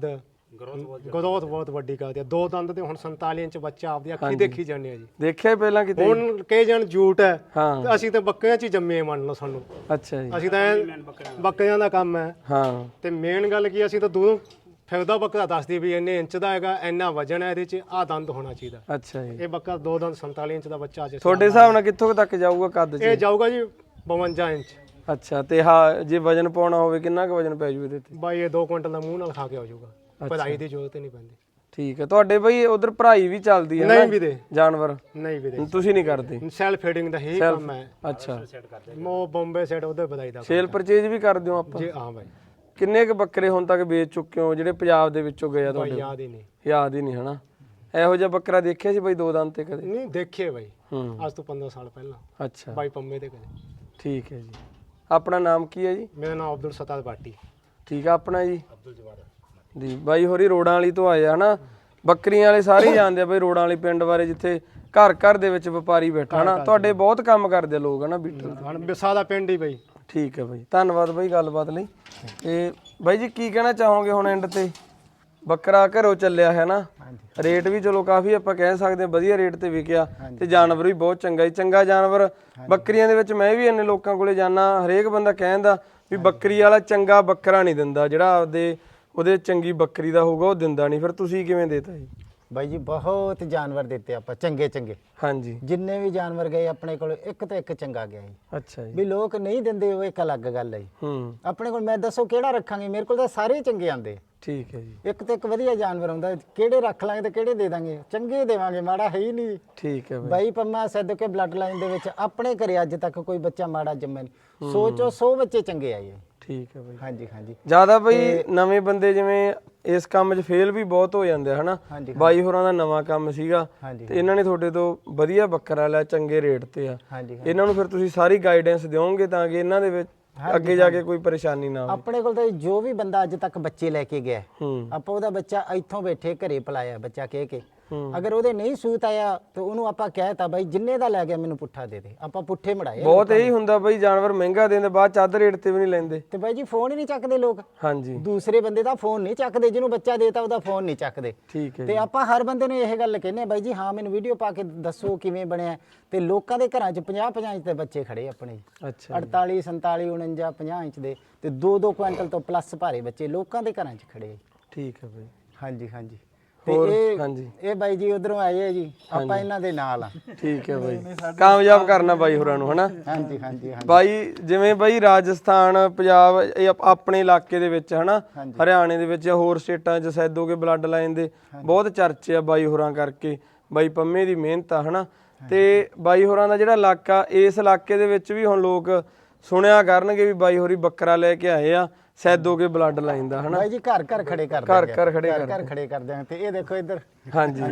[SPEAKER 4] ਗਰੋਥ ਬਹੁਤ ਵੱਡੀ ਕਰਦੀ ਆ। 2 ਦੰਦ ਤੇ ਹੁਣ 47 ਇੰਚ ਬੱਚਾ ਆਪਦੀ ਅੱਖੀ ਦੇਖੀ ਜਾਂਦੇ ਆ ਜੀ।
[SPEAKER 1] ਦੇਖਿਆ ਪਹਿਲਾਂ ਕਿਤੇ?
[SPEAKER 4] ਹੁਣ ਕਈ ਜਣ ਝੂਠ ਹੈ,
[SPEAKER 1] ਹਾਂ।
[SPEAKER 4] ਤੇ ਅਸੀਂ ਤਾਂ ਬੱਕਰੀਆਂ 'ਚ ਹੀ ਜੰਮੇ ਮੰਨ ਲਓ ਸਾਨੂੰ।
[SPEAKER 1] ਅੱਛਾ ਜੀ।
[SPEAKER 4] ਅਸੀਂ ਤਾਂ ਬੱਕਰੀਆਂ ਦਾ ਕੰਮ ਹੈ।
[SPEAKER 1] ਹਾਂ
[SPEAKER 4] ਤੇ ਮੇਨ ਗੱਲ ਕੀ, ਅਸੀਂ ਤਾਂ ਦੂਰੋਂ ਫਿਰਦਾ ਬੱਕਰਾ ਦੱਸਦੀ ਵੀ ਇੰਨੇ ਇੰਚ ਦਾ ਹੈਗਾ, ਇੰਨਾ ਵਜਨ ਹੈ ਇਹਦੇ 'ਚ, ਆਹ ਦੰਦ ਹੋਣਾ ਚਾਹੀਦਾ।
[SPEAKER 1] ਅੱਛਾ ਜੀ।
[SPEAKER 4] ਇਹ ਬੱਕਰਾ 2 ਦੰਦ 47 ਇੰਚ ਦਾ ਬੱਚਾ ਅੱਜ
[SPEAKER 1] ਤੁਹਾਡੇ ਹਿਸਾਬ ਨਾਲ ਕਿੱਥੋਂ ਕੁ ਤੱਕ ਜਾਊਗਾ ਕੱਦ 'ਚ?
[SPEAKER 4] ਇਹ ਜਾਊਗਾ ਜੀ 52 ਇੰਚ।
[SPEAKER 1] ਅੱਛਾ, ਤੇ ਹਾਂ ਜੇ ਵਜਨ ਪਾਉਣਾ ਹੋਵੇ ਕਿੰਨਾ ਕੁ ਵਜਨ ਪੈ ਜੂ ਇਹਦੇ ਤੇ?
[SPEAKER 4] ਬਾਈ ਇਹ 2 ਕੁਇੰਟਲ ਦਾ ਮੂੰਹ ਨਾਲ ਖਾ ਕੇ ਆ ਜਾਊਗਾ, ਪੜਾਈ ਦੀ ਜ਼ਰੂਰਤ ਹੀ ਨਹੀਂ ਪੈਂਦੀ।
[SPEAKER 1] ਠੀਕ ਹੈ। ਤੁਹਾਡੇ ਬਈ ਉਧਰ ਭਰਾਈ ਵੀ ਚੱਲਦੀ ਹੈ
[SPEAKER 4] ਨਹੀਂ
[SPEAKER 1] ਨਾ
[SPEAKER 4] ਵੀਰੇ,
[SPEAKER 1] ਜਾਨਵਰ?
[SPEAKER 4] ਨਹੀਂ ਵੀਰੇ,
[SPEAKER 1] ਤੁਸੀਂ ਨਹੀਂ ਕਰਦੇ?
[SPEAKER 4] ਸੈਲਫ ਫੀਡਿੰਗ ਦਾ ਹੀ ਕੰਮ ਹੈ।
[SPEAKER 1] ਅੱਛਾ,
[SPEAKER 4] ਮੋ ਬੰਬੇ ਸੈਟ ਉਹਦੇ ਵਧਾਈ ਦਾ
[SPEAKER 1] ਸੇਲ ਪਰਚੇਜ ਵੀ ਕਰਦੇ ਹੋ ਆਪਾਂ?
[SPEAKER 4] ਜੀ ਹਾਂ ਬਾਈ।
[SPEAKER 1] ਕਿੰਨੇ ਕੁ ਬੱਕਰੇ ਹੁਣ ਤੱਕ ਵੇਚ ਚੁੱਕੇ ਹੋ ਜਿਹੜੇ ਪੰਜਾਬ ਦੇ ਵਿੱਚੋਂ ਗਏ ਆ
[SPEAKER 4] ਬਾਈ
[SPEAKER 1] ਤੁਹਾਡੇ?
[SPEAKER 4] ਯਾਦ ਹੀ ਨਹੀਂ।
[SPEAKER 1] ਯਾਦ ਹੀ ਨਹੀਂ ਹਨਾ। ਇਹੋ ਜਿਹਾ ਬੱਕਰਾ ਦੇਖਿਆ ਸੀ ਬਈ 2 ਦੰਦ ਤੇ ਕਦੇ?
[SPEAKER 4] ਨਹੀਂ ਦੇਖੇ ਬਾਈ,
[SPEAKER 1] ਹੂੰ।
[SPEAKER 4] ਅੱਜ ਤੋਂ 15 ਸਾਲ ਪਹਿਲਾਂ
[SPEAKER 1] ਅੱਛਾ,
[SPEAKER 4] ਬਾਈ ਪੰਮੇ ਤੇ ਕਦੇ।
[SPEAKER 1] ਠੀਕ ਹੈ ਜੀ। ਆਪਣਾ ਨਾਮ ਕੀ ਹੈ ਜੀ?
[SPEAKER 4] ਮੇਰਾ ਨਾਮ ਅਬਦੁਲ ਸਤਾਰ ਬਾਟੀ।
[SPEAKER 1] ਠੀਕ ਆ। ਆਪਣਾ ਜੀ? ਅਬਦੁਲ ਜਵਾਰ ਜੀ। ਬਾਈ ਹੋਰੀ ਰੋੜਾਂ ਵਾਲੀ ਤੋਂ ਆਏ ਆ ਹਨਾ। ਬੱਕਰੀਆਂ ਵਾਲੇ ਸਾਰੇ ਹੀ ਜਾਣਦੇ ਆ ਬਈ ਰੋੜਾਂ ਵਾਲੀ ਪਿੰਡ ਬਾਰੇ, ਜਿੱਥੇ ਘਰ ਘਰ ਦੇ ਵਿੱਚ ਵਪਾਰੀ ਬੈਠਾ ਹਨਾ। ਤੁਹਾਡੇ ਬਹੁਤ ਕੰਮ ਕਰਦੇ ਲੋਕ ਹਨਾ ਬੀਟਲ ਤੇ।
[SPEAKER 4] ਹਣ ਬਿਸਾ ਦਾ ਪਿੰਡ ਹੀ ਬਾਈ।
[SPEAKER 1] ਠੀਕ ਹੈ ਬਾਈ, ਧੰਨਵਾਦ ਬਾਈ ਗੱਲਬਾਤ ਲਈ। ਤੇ ਬਾਈ ਜੀ ਕੀ ਕਹਿਣਾ ਚਾਹੋਗੇ ਹੁਣ ਐਂਡ ਤੇ? ਬੱਕਰਾ ਘਰੋਂ ਚੱਲਿਆ ਹੈ ਨਾ, ਰੇਟ ਵੀ ਚਲੋ ਕਾਫੀ ਆਪਾਂ ਕਹਿ ਸਕਦੇ ਹਾਂ ਵਧੀਆ ਰੇਟ ਤੇ ਵਿਕਿਆ, ਤੇ ਜਾਨਵਰ ਵੀ ਬਹੁਤ ਚੰਗਾ ਹੀ ਚੰਗਾ ਜਾਨਵਰ। ਬੱਕਰੀਆਂ ਦੇ ਵਿੱਚ ਮੈਂ ਵੀ ਇੰਨੇ ਲੋਕਾਂ ਕੋਲੇ ਜਾਣਾ, ਹਰੇਕ ਬੰਦਾ ਕਹਿੰਦਾ ਵੀ ਬੱਕਰੀ ਵਾਲਾ ਚੰਗਾ ਬੱਕਰਾ ਨਹੀਂ ਦਿੰਦਾ, ਜਿਹੜਾ ਆਪਦੇ ਉਹਦੇ ਚੰਗੀ ਬੱਕਰੀ ਦਾ ਹੋਊਗਾ ਉਹ ਦਿੰਦਾ ਨਹੀਂ। ਫਿਰ ਤੁਸੀਂ ਕਿਵੇਂ ਦੇਤਾ ਜੀ?
[SPEAKER 2] ਬਾਈ ਜੀ ਬਹੁਤ ਜਾਨਵਰ ਦਿੱਤੇ ਆਪਾਂ ਚੰਗੇ ਚੰਗੇ।
[SPEAKER 1] ਹਾਂਜੀ।
[SPEAKER 2] ਜਿੰਨੇ ਵੀ ਜਾਨਵਰ ਗਏ ਆਪਣੇ ਕੋਲ ਇੱਕ ਤੋਂ ਇੱਕ ਚੰਗਾ ਗਿਆ ਜੀ।
[SPEAKER 1] ਅੱਛਾ ਜੀ।
[SPEAKER 2] ਵੀ ਲੋਕ ਨਹੀਂ ਦਿੰਦੇ ਉਹ ਇੱਕ ਅਲੱਗ ਗੱਲ ਹੈ ਜੀ।
[SPEAKER 1] ਹੂੰ।
[SPEAKER 2] ਆਪਣੇ ਕੋਲ ਮੈਂ ਦੱਸੋ ਕਿਹੜਾ ਰੱਖਾਂਗੇ, ਮੇਰੇ ਕੋਲ ਤਾਂ ਸਾਰੇ ਹੀ ਚੰਗੇ ਆਂਦੇ।
[SPEAKER 1] ਠੀਕ ਹੈ ਜੀ।
[SPEAKER 2] ਇੱਕ ਤੋਂ ਇੱਕ ਵਧੀਆ ਜਾਨਵਰ ਆਉਂਦਾ, ਕਿਹੜੇ ਰੱਖ ਲਾਂਗੇ ਤੇ ਕਿਹੜੇ ਦੇ ਦਾਂਗੇ? ਚੰਗੇ ਦੇਵਾਂਗੇ, ਮਾੜਾ ਹੈ ਹੀ ਨਹੀਂ।
[SPEAKER 1] ਠੀਕ ਹੈ ਬਾਈ।
[SPEAKER 2] ਬਾਈ ਪੰਮਾ ਸੈਦਕੇ ਬਲੱਡ ਲਾਈਨ ਦੇ ਵਿੱਚ ਆਪਣੇ ਘਰੇ ਅੱਜ ਤੱਕ ਕੋਈ ਬੱਚਾ ਮਾੜਾ ਜੰਮਿਆ ਨਹੀਂ। ਸੋਚੋ 100 ਬੱਚੇ ਚੰਗੇ ਆਏ।
[SPEAKER 1] ਠੀਕ ਹੈ ਬਾਈ।
[SPEAKER 2] ਹਾਂਜੀ ਹਾਂਜੀ।
[SPEAKER 1] ਜਿਆਦਾ ਬਈ ਨਵੇਂ ਬੰਦੇ ਜਿਵੇਂ ਇਸ ਕੰਮ 'ਚ ਫੇਲ ਵੀ ਬਹੁਤ ਹੋ ਜਾਂਦੇ ਆ ਹਨਾ। ਬਾਈ ਹੋਰਾਂ ਦਾ ਨਵਾਂ ਕੰਮ ਸੀਗਾ ਤੇ ਇਹਨਾਂ ਨੇ ਤੁਹਾਡੇ ਤੋਂ ਵਧੀਆ ਬੱਕਰਾ ਲਿਆ ਚੰਗੇ ਰੇਟ ਤੇ ਆ। ਇਹਨਾਂ ਨੂੰ ਫਿਰ ਤੁਸੀਂ ਸਾਰੀ ਗਾਈਡੈਂਸ ਦਿਓਗੇ ਤਾਂ ਕਿ ਇਹਨਾਂ ਦੇ ਵਿੱਚ ਅੱਗੇ ਜਾ ਕੇ ਕੋਈ ਪਰੇਸ਼ਾਨੀ ਨਾ ਆਵੇ?
[SPEAKER 2] ਆਪਣੇ ਕੋਲ ਤਾਂ ਜੋ ਵੀ ਬੰਦਾ ਅੱਜ ਤੱਕ ਬੱਚੇ ਲੈ ਕੇ ਗਿਆ,
[SPEAKER 1] ਹੂੰ।
[SPEAKER 2] ਆਪਾਂ ਉਹਦਾ ਬੱਚਾ ਇੱਥੋਂ ਬੈਠੇ ਘਰੇ ਪਲਾਇਆ ਬੱਚਾ ਕਹਿ ਕੇ। ਅਗਰ ਉਹਦੇ ਨਹੀਂ ਸੂਤ ਆਇਆ ਤੇ ਉਹਨੂੰ ਆਪਾਂ ਕਹਿਤਾ ਬਾਈ ਜਿੰਨੇ ਦਾ ਲੈ ਗਿਆ ਮੈਨੂੰ ਪੁੱਠਾ ਦੇ ਦੇ, ਆਪਾਂ ਪੁੱਠੇ ਮੜਾਏ।
[SPEAKER 1] ਬਹੁਤ ਇਹੀ ਹੁੰਦਾ ਬਈ ਜਾਨਵਰ ਮਹਿੰਗਾ ਦੇਂਦੇ ਬਾਅਦ ਚੱਦ ਰੇਟ ਤੇ ਵੀ ਨਹੀਂ ਲੈਂਦੇ।
[SPEAKER 2] ਤੇ ਬਾਈ ਜੀ ਫੋਨ ਹੀ ਨਹੀਂ ਚੱਕਦੇ ਲੋਕ।
[SPEAKER 1] ਹਾਂਜੀ।
[SPEAKER 2] ਦੂਸਰੇ ਬੰਦੇ ਦਾ ਫੋਨ ਨਹੀਂ ਚੱਕਦੇ, ਜਿਹਨੂੰ ਬੱਚਾ ਦੇਤਾ ਉਹਦਾ ਫੋਨ ਨਹੀਂ ਚੱਕਦੇ।
[SPEAKER 1] ਠੀਕ ਹੈ
[SPEAKER 2] ਤੇ ਆਪਾਂ ਹਰ ਬੰਦੇ ਨੂੰ ਇਹ ਗੱਲ ਕਹਿੰਦੇ ਆ ਬਾਈ ਜੀ ਹਾਂ ਮੈਨੂੰ ਵੀਡੀਓ ਪਾ ਕੇ ਦੱਸੋ ਕਿਵੇਂ ਬਣਿਆ। ਤੇ ਲੋਕਾਂ ਦੇ ਘਰਾਂ 'ਚ 50-50 ਇੰਚ ਦੇ ਬੱਚੇ ਖੜੇ ਆਪਣੇ ਜੀ।
[SPEAKER 1] ਅੱਛਾ।
[SPEAKER 2] 48 47 49 50 ਇੰਚ ਦੇ ਤੇ 2-2 ਕੁਇੰਟਲ ਤੋਂ ਪਲੱਸ ਭਾਰੇ ਬੱਚੇ ਲੋਕਾਂ ਦੇ ਘਰਾਂ 'ਚ ਖੜੇ।
[SPEAKER 1] ਠੀਕ ਹੈ ਬਈ।
[SPEAKER 2] ਹਾਂਜੀ ਹਾਂਜੀ।
[SPEAKER 1] ਹੋਰ?
[SPEAKER 2] ਤੇ
[SPEAKER 1] ਹਾਂਜੀ।
[SPEAKER 2] ਇਹ ਬਾਈ ਜੀ ਉਧਰੋਂ ਆਏ ਆ ਜੀ, ਆਪਾਂ ਇਹਨਾਂ ਦੇ ਨਾਲ ਆ।
[SPEAKER 1] ਠੀਕ ਹੈ ਬਾਈ। ਕਾਮਯਾਬ ਕਰਨਾ ਬਾਈ ਹੋਰਾਂ ਨੂੰ ਹਨਾ।
[SPEAKER 2] ਹਾਂਜੀ ਹਾਂਜੀ।
[SPEAKER 1] ਬਾਈ ਜਿਵੇਂ ਬਾਈ ਰਾਜਸਥਾਨ ਪੰਜਾਬ ਇਹ ਆਪਣੇ ਇਲਾਕੇ ਦੇ ਵਿੱਚ ਹਨਾ, ਹਰਿਆਣੇ ਦੇ ਵਿੱਚ ਹੋਰ ਸਟੇਟਾਂ 'ਚ ਸੈਦੋਗੇ ਬਲੱਡ ਲਾਈਨ ਦੇ ਬਹੁਤ ਚਰਚੇ ਆ ਬਾਈ ਹੋਰਾਂ ਕਰਕੇ। ਬਾਈ ਪੰਮੇ ਦੀ ਮਿਹਨਤ ਆ ਹਨਾ। ਤੇ ਬਾਈ ਹੋਰਾਂ ਦਾ ਜਿਹੜਾ ਇਲਾਕਾ, ਇਸ ਇਲਾਕੇ ਦੇ ਵਿੱਚ ਵੀ ਹੁਣ ਲੋਕ ਸੁਣਿਆ ਕਰਨਗੇ ਵੀ ਬਾਈ ਹੋਰੀ ਬੱਕਰਾ ਲੈ ਕੇ ਆਏ ਆ ਸੈਦੋਗੇ ਬਲੱਡ ਲਾਈਨ ਦਾ ਹਨਾ।
[SPEAKER 2] ਬਾਈ ਜੀ ਘਰ ਘਰ ਖੜੇ ਕਰਦੇ
[SPEAKER 1] ਘਰ ਘਰ
[SPEAKER 2] ਖੜੇ ਕਰਦੇ ਆ। ਤੇ ਇਹ ਦੇਖੋ ਇੱਧਰ।
[SPEAKER 1] ਹਾਂਜੀ।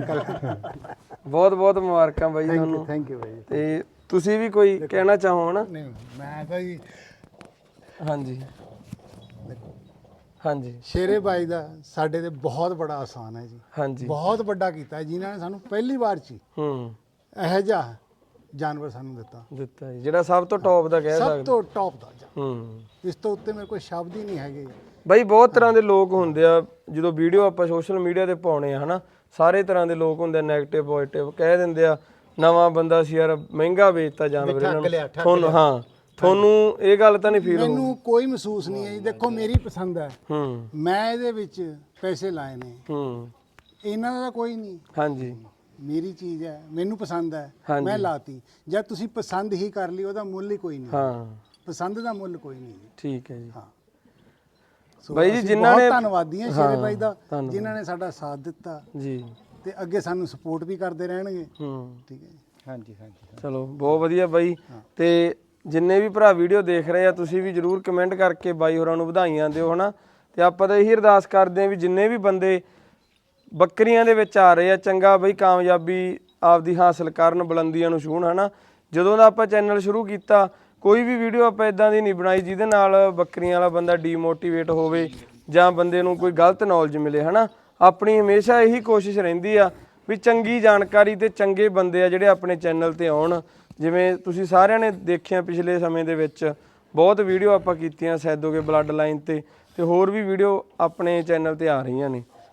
[SPEAKER 1] ਬਹੁਤ ਬਹੁਤ ਮੁਬਾਰਕਾਂ ਬਾਈ ਤੁਹਾਨੂੰ।
[SPEAKER 3] ਥੈਂਕ ਯੂ ਬਾਈ।
[SPEAKER 1] ਤੇ ਤੁਸੀਂ ਵੀ ਕੋਈ ਕਹਿਣਾ ਚਾਹੋ ਹਨਾ?
[SPEAKER 3] ਨਹੀਂ ਮੈਂ ਤਾਂ ਜੀ
[SPEAKER 1] ਹਾਂਜੀ ਹਾਂਜੀ।
[SPEAKER 3] ਸ਼ੇਰੇ ਬਾਈ ਦਾ ਸਾਡੇ ਤੇ ਬਹੁਤ ਬੜਾ ਆਸਾਨ ਹੈ ਜੀ।
[SPEAKER 1] ਹਾਂਜੀ।
[SPEAKER 3] ਬਹੁਤ ਵੱਡਾ ਕੀਤਾ ਜਿਨ੍ਹਾਂ ਨੇ ਸਾਨੂੰ ਪਹਿਲੀ ਵਾਰ 'ਚ
[SPEAKER 1] ਹੂੰ।
[SPEAKER 3] ਇਹੋ ਜਿਹਾ ਜਾਨਵਰ ਸਾਨੂੰ
[SPEAKER 1] ਦਿੱਤਾ ਜੀ, ਜਿਹੜਾ ਸਭ ਤੋਂ ਟੌਪ ਦਾ ਕਹਿ
[SPEAKER 3] ਸਭ
[SPEAKER 1] ਸਕਦੇ।
[SPEAKER 3] ਤੋਂ ਟੌਪ ਦਾ ਜਾਨਵਰ।
[SPEAKER 1] ਹੂੰ।
[SPEAKER 3] ਇਸ ਤੋਂ ਉੱਤੇ ਮੇਰੇ ਕੋਲ ਸ਼ਬਦ ਹੀ ਨਹੀਂ ਹੈਗੇ।
[SPEAKER 1] ਬਾਈ ਬਹੁਤ ਤਰ੍ਹਾਂ ਦੇ ਲੋਕ ਹੁੰਦੇ ਆ, ਜਦੋਂ ਵੀਡੀਓ ਆਪਾਂ ਸੋਸ਼ਲ ਮੀਡੀਆ ਤੇ ਪਾਉਣੇ ਆ ਹਨਾ, ਸਾਰੇ ਤਰ੍ਹਾਂ ਦੇ ਲੋਕ ਹੁੰਦੇ, ਨੈਗੇਟਿਵ ਪੋਜ਼ਿਟਿਵ ਕਹਿ ਦਿੰਦੇ ਆ ਨਵਾਂ ਬੰਦਾ ਸੀ ਯਾਰ ਮਹਿੰਗਾ ਵੇਚਤਾ ਜਾਨਵਰ ਇਹਨਾਂ ਨੂੰ। ਤੁਹਾਨੂੰ ਹਾਂ ਤੁਹਾਨੂੰ ਇਹ ਗੱਲ ਤਾਂ ਨਹੀਂ ਫੀਲ ਹੋਊ?
[SPEAKER 3] ਮੈਨੂੰ ਕੋਈ ਮਹਿਸੂਸ ਨਹੀਂ ਹੈ ਜੀ। ਦੇਖੋ ਮੇਰੀ ਪਸੰਦ ਹੈ,
[SPEAKER 1] ਹੂੰ
[SPEAKER 3] ਮੈਂ ਇਹਦੇ ਵਿੱਚ ਪੈਸੇ ਲਾਏ ਨੇ,
[SPEAKER 1] ਹੂੰ।
[SPEAKER 3] ਇਹਨਾਂ ਦਾ ਕੋਈ ਨਹੀਂ।
[SPEAKER 1] ਹਾਂਜੀ।
[SPEAKER 3] ਮੇਰੀ ਚੀਜ਼ ਹੈ, ਮੈਨੂੰ ਪਸੰਦ ਹੈ,
[SPEAKER 1] ਹਾਂਜੀ।
[SPEAKER 3] ਮੈਂ ਲਾਤੀ। ਜਦ ਤੁਸੀਂ ਪਸੰਦ ਹੀ ਕਰ ਲਈ ਉਹਦਾ ਮੁੱਲ ਹੀ ਕੋਈ ਨਹੀਂ।
[SPEAKER 1] ਹਾਂ
[SPEAKER 3] ਪਸੰਦ ਦਾ ਮੁੱਲ ਕੋਈ ਨਹੀਂ ਜੀ।
[SPEAKER 1] ਠੀਕ ਹੈ ਜੀ।
[SPEAKER 3] ਹਾਂ। ਸੋ
[SPEAKER 1] ਬਾਈ ਜੀ
[SPEAKER 3] ਅਸੀਂ
[SPEAKER 1] ਜਿਨ੍ਹਾਂ ਨੇ
[SPEAKER 3] ਬਹੁਤ ਧੰਨਵਾਦੀ ਹਾਂ ਸ਼ੇਰੇ ਬਾਈ ਦਾ,
[SPEAKER 1] ਧੰਨਵਾਦ
[SPEAKER 3] ਜਿਨ੍ਹਾਂ ਨੇ ਸਾਡਾ ਸਾਥ ਦਿੱਤਾ
[SPEAKER 1] ਜੀ,
[SPEAKER 3] ਤੇ ਅੱਗੇ ਸਾਨੂੰ ਸਪੋਰਟ ਵੀ ਕਰਦੇ ਰਹਿਣਗੇ।
[SPEAKER 1] ਹੂੰ।
[SPEAKER 3] ਠੀਕ ਹੈ ਜੀ।
[SPEAKER 2] ਹਾਂਜੀ ਹਾਂਜੀ।
[SPEAKER 1] ਚਲੋ ਬਹੁਤ ਵਧੀਆ ਬਾਈ। ਤੇ ਜਿੰਨੇ ਵੀ ਭਰਾ ਵੀਡੀਓ ਦੇਖ ਰਹੇ ਆ ਤੁਸੀਂ ਵੀ ਜਰੂਰ ਕਮੈਂਟ ਕਰਕੇ ਬਾਈ ਹੋਰਾਂ ਨੂੰ ਵਧਾਈਆਂ ਦਿਓ ਹਨਾ। ਤੇ ਆਪਾਂ ਤਾਂ ਇਹੀ ਅਰਦਾਸ ਕਰਦੇ ਆ ਵੀ ਜਿੰਨੇ ਵੀ ਬੰਦੇ ਬੱਕਰੀਆਂ ਦੇ ਵਿੱਚ ਆ ਰਹੇ ਆ ਚੰਗਾ ਬਈ ਕਾਮਯਾਬੀ ਆਪਦੀ ਹਾਸਲ ਕਰਨ, ਬੁਲੰਦੀਆਂ ਨੂੰ ਛੂਹਣ ਹਨਾ। ਜਦੋਂ ਦਾ ਆਪਾਂ ਚੈਨਲ ਸ਼ੁਰੂ ਕੀਤਾ ਕੋਈ ਵੀ ਵੀਡੀਓ ਆਪਾਂ ਇਦਾਂ ਦੀ ਨਹੀਂ ਬਣਾਈ ਜਿਹਦੇ ਨਾਲ ਬੱਕਰੀਆਂ ਵਾਲਾ ਬੰਦਾ ਡੀਮੋਟੀਵੇਟ ਹੋਵੇ ਜਾਂ ਬੰਦੇ ਨੂੰ ਕੋਈ ਗਲਤ ਨੌਲੇਜ ਮਿਲੇ ਹਨਾ। ਆਪਣੀ ਹਮੇਸ਼ਾ ਇਹੀ ਕੋਸ਼ਿਸ਼ ਰਹਿੰਦੀ ਆ ਵੀ ਚੰਗੀ ਜਾਣਕਾਰੀ ਤੇ ਚੰਗੇ ਬੰਦੇ ਆ ਜਿਹੜੇ ਆਪਣੇ ਚੈਨਲ ਤੇ ਆਉਣ। ਜਿਵੇਂ ਤੁਸੀਂ ਸਾਰਿਆਂ ਨੇ ਦੇਖਿਆ ਪਿਛਲੇ ਸਮੇਂ ਦੇ ਵਿੱਚ ਬਹੁਤ ਵੀਡੀਓ ਆਪਾਂ ਕੀਤੀਆਂ ਸੈਦੋਗੇ ਬਲੱਡ ਲਾਈਨ ਤੇ ਹੋਰ ਵੀ ਵੀਡੀਓ ਆਪਣੇ ਚੈਨਲ ਤੇ ਆ ਰਹੀਆਂ ਨੇ।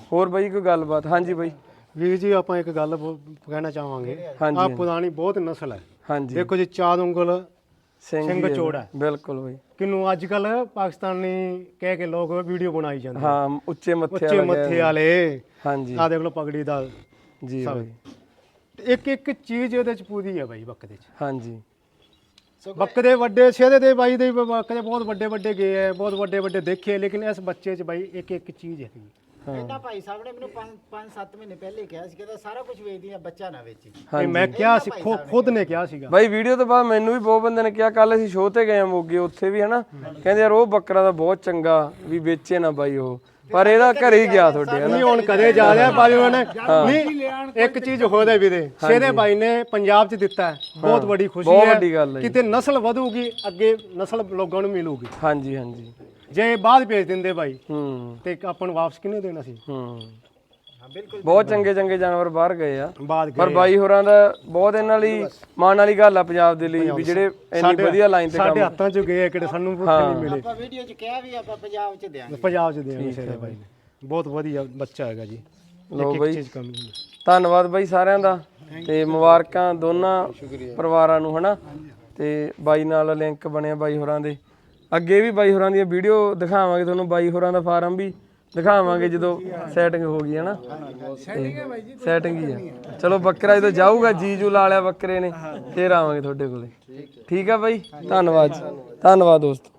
[SPEAKER 1] ਹੋਰ ਬਾਈ ਕੋਈ ਗੱਲਬਾਤ? ਹਾਂਜੀ ਬਾਈ।
[SPEAKER 4] ਵੀਰ ਜੀ ਆਪਾਂ ਇੱਕ ਗੱਲ ਕਹਿਣਾ ਚਾਹਾਂਗੇ,
[SPEAKER 1] ਹਾਂਜੀ,
[SPEAKER 4] ਆ ਪੁਰਾਣੀ ਬਹੁਤ ਨਸਲ ਹੈ।
[SPEAKER 1] ਹਾਂਜੀ
[SPEAKER 4] ਦੇਖੋ ਜੀ, 4 ਉਂਗਲ ਸਿੰਘ ਚੋੜਾ ਹੈ।
[SPEAKER 1] ਬਿਲਕੁਲ ਬਾਈ।
[SPEAKER 4] ਕਿਨੂੰ ਅੱਜ ਕੱਲ ਪਾਕਿਸਤਾਨੀ ਕਹਿ ਕੇ ਲੋਕ ਵੀਡੀਓ ਬਣਾਈ ਜਾਂਦੇ,
[SPEAKER 1] ਹਾਂ ਉੱਚੇ ਮੱਥੇ
[SPEAKER 4] ਉੱਚੇ ਮੱਥੇ ਵਾਲੇ।
[SPEAKER 1] ਹਾਂਜੀ
[SPEAKER 4] ਆ ਦੇਖ ਲਓ ਪਗੜੀ ਦਾ
[SPEAKER 1] ਜੀ
[SPEAKER 4] ਸਭ।
[SPEAKER 1] ਬਾਈ।
[SPEAKER 4] ਇੱਕ ਇੱਕ ਚੀਜ਼ ਇਹਦੇ ਚ ਪੂਰੀ ਹੈ ਬਾਈ ਬੱਕਰੇ ਚ।
[SPEAKER 1] ਹਾਂਜੀ
[SPEAKER 4] ਬੱਕਰੇ ਵੱਡੇ ਸਿਹਦੇ ਦੇ ਬਾਈ ਦੇ ਬੱਕਰੇ ਬਹੁਤ ਵੱਡੇ ਵੱਡੇ ਗਏ ਹੈ, ਬਹੁਤ ਵੱਡੇ ਵੱਡੇ ਦੇਖੇ, ਲੇਕਿਨ ਇਸ ਬੱਚੇ ਚ ਬਾਈ ਇੱਕ ਇੱਕ ਚੀਜ਼ ਹੈ।
[SPEAKER 2] ਇਹਨਾਂ ਭਾਈ ਸਾਹਿਬ ਨੇ ਮੈਨੂੰ 5-7 ਮਹੀਨੇ ਪਹਿਲੇ ਕਿਹਾ ਸੀ ਕਿ ਸਾਰਾ ਕੁਝ ਵੇਚਦੀ ਆ, ਬੱਚਾ ਨਾ ਵੇਚੀ।
[SPEAKER 4] ਇਹ ਮੈਂ ਕਿਹਾ ਸੀ, ਖੁਦ ਨੇ ਕਿਹਾ ਸੀਗਾ
[SPEAKER 1] ਬਾਈ। ਵੀਡੀਓ ਤੋਂ ਬਾਅਦ ਮੈਨੂੰ ਵੀ ਬਹੁਤ ਬੰਦੇ ਨੇ ਕਿਹਾ, ਕੱਲ ਅਸੀਂ ਸ਼ੋਅ ਤੇ ਗਏ ਆ ਮੋਗੇ, ਉੱਥੇ ਵੀ ਹਨਾ ਕਹਿੰਦੇ ਯਾਰ ਉਹ ਬੱਕਰਾ ਤਾਂ ਬਹੁਤ ਚੰਗਾ, ਵੀ ਵੇਚੇ ਨਾ ਬਾਈ ਉਹ, ਪਰ ਇਹਦਾ ਘਰੇ ਹੀ ਗਿਆ ਤੁਹਾਡੇ ਹਨਾ।
[SPEAKER 4] ਨਹੀਂ ਹੁਣ ਕਦੇ ਜਾ ਰਿਹਾ ਬਾਈ ਉਹਨੇ ਨਹੀਂ। ਇੱਕ ਚੀਜ਼ ਹੋਦਾ ਵੀਰੇ, ਸ਼ੇਰੇ ਬਾਈ ਨੇ ਪੰਜਾਬ ਚ ਦਿੱਤਾ ਹੈ, ਬਹੁਤ ਵੱਡੀ ਖੁਸ਼ੀ
[SPEAKER 1] ਬਹੁਤ ਵੱਡੀ ਗੱਲ ਹੈ।
[SPEAKER 4] ਕਿਤੇ ਨਸਲ ਵਧੂਗੀ, ਅੱਗੇ ਨਸਲ ਲੋਕਾਂ ਨੂੰ ਮਿਲੂਗੀ।
[SPEAKER 1] ਹਾਂਜੀ ਹਾਂਜੀ।
[SPEAKER 4] ਜੇ ਬਾਅਦ ਭੇਜ ਦਿੰਦੇ ਬਾਈ
[SPEAKER 1] ਤੇ
[SPEAKER 4] ਆਪਾਂ ਨੂੰ ਵਾਪਸ ਕਿਹਨੇ ਦੇਣਾ ਸੀ?
[SPEAKER 1] ਬਹੁਤ ਚੰਗੇ ਚੰਗੇ ਜਾਨਵਰ ਬਾਹਰ ਗਏ ਆ,
[SPEAKER 4] ਬਾਅਦ
[SPEAKER 1] ਪਰ ਬਾਈ ਹੋਰਾਂ ਦਾ ਬਹੁਤ ਇਹਨਾਂ ਲਈ ਮਾਣ ਵਾਲੀ ਗੱਲ ਆ ਪੰਜਾਬ ਦੇ ਲਈ, ਵੀ ਜਿਹੜੇ ਇੰਨੀ ਵਧੀਆ ਲਾਈਨ ਤੇ
[SPEAKER 4] ਸਾਡੇ ਹੱਥਾਂ ਚ ਗਏ ਕਿਹੜੇ ਸਾਨੂੰ ਭੁੱਖ ਨਹੀਂ ਮਿਲੇ।
[SPEAKER 2] ਆਪਾਂ ਵੀਡੀਓ 'ਚ ਕਿਹਾ ਵੀ ਆਪਾਂ ਪੰਜਾਬ 'ਚ ਦੇਾਂਗੇ,
[SPEAKER 4] ਪੰਜਾਬ ਚ ਦੇਵਾਂਗੇ ਸ਼ੇਰੇ ਬਾਈ ਨੇ। ਬਹੁਤ ਵਧੀਆ ਬੱਚਾ ਹੈਗਾ ਜੀ।
[SPEAKER 1] ਲੋ
[SPEAKER 4] ਇੱਕ
[SPEAKER 1] ਬਾਈ,
[SPEAKER 4] ਚੀਜ਼ ਕਮੀ ਨਹੀਂ।
[SPEAKER 1] ਧੰਨਵਾਦ ਬਾਈ ਸਾਰਿਆਂ ਦਾ, ਤੇ ਮੁਬਾਰਕਾਂ ਦੋਨਾਂ ਪਰਿਵਾਰਾਂ ਨੂੰ ਹਨਾ। ਤੇ ਬਾਈ ਨਾਲ ਲਿੰਕ ਬਣਿਆ ਬਾਈ ਹੋਰਾਂ ਦੇ, ਅੱਗੇ ਵੀ ਬਾਈ ਹੋਰਾਂ ਦੀਆਂ ਵੀਡੀਓ ਦਿਖਾਵਾਂਗੇ ਤੁਹਾਨੂੰ, ਬਾਈ ਹੋਰਾਂ ਦਾ ਫਾਰਮ ਵੀ ਦਿਖਾਵਾਂਗੇ ਜਦੋਂ ਸੈਟਿੰਗ ਹੋ ਗਈ ਹਨਾ। ਸੈਟਿੰਗ ਹੀ ਆ। ਚਲੋ ਬੱਕਰਾ ਜਦੋਂ ਜਾਊਗਾ, ਜੀਜੂ ਲਾ ਲਿਆ ਬੱਕਰੇ ਨੇ, ਫੇਰ ਆਵਾਂਗੇ ਤੁਹਾਡੇ ਕੋਲੇ। ਠੀਕ ਆ ਬਾਈ, ਧੰਨਵਾਦ ਦੋਸਤੋ।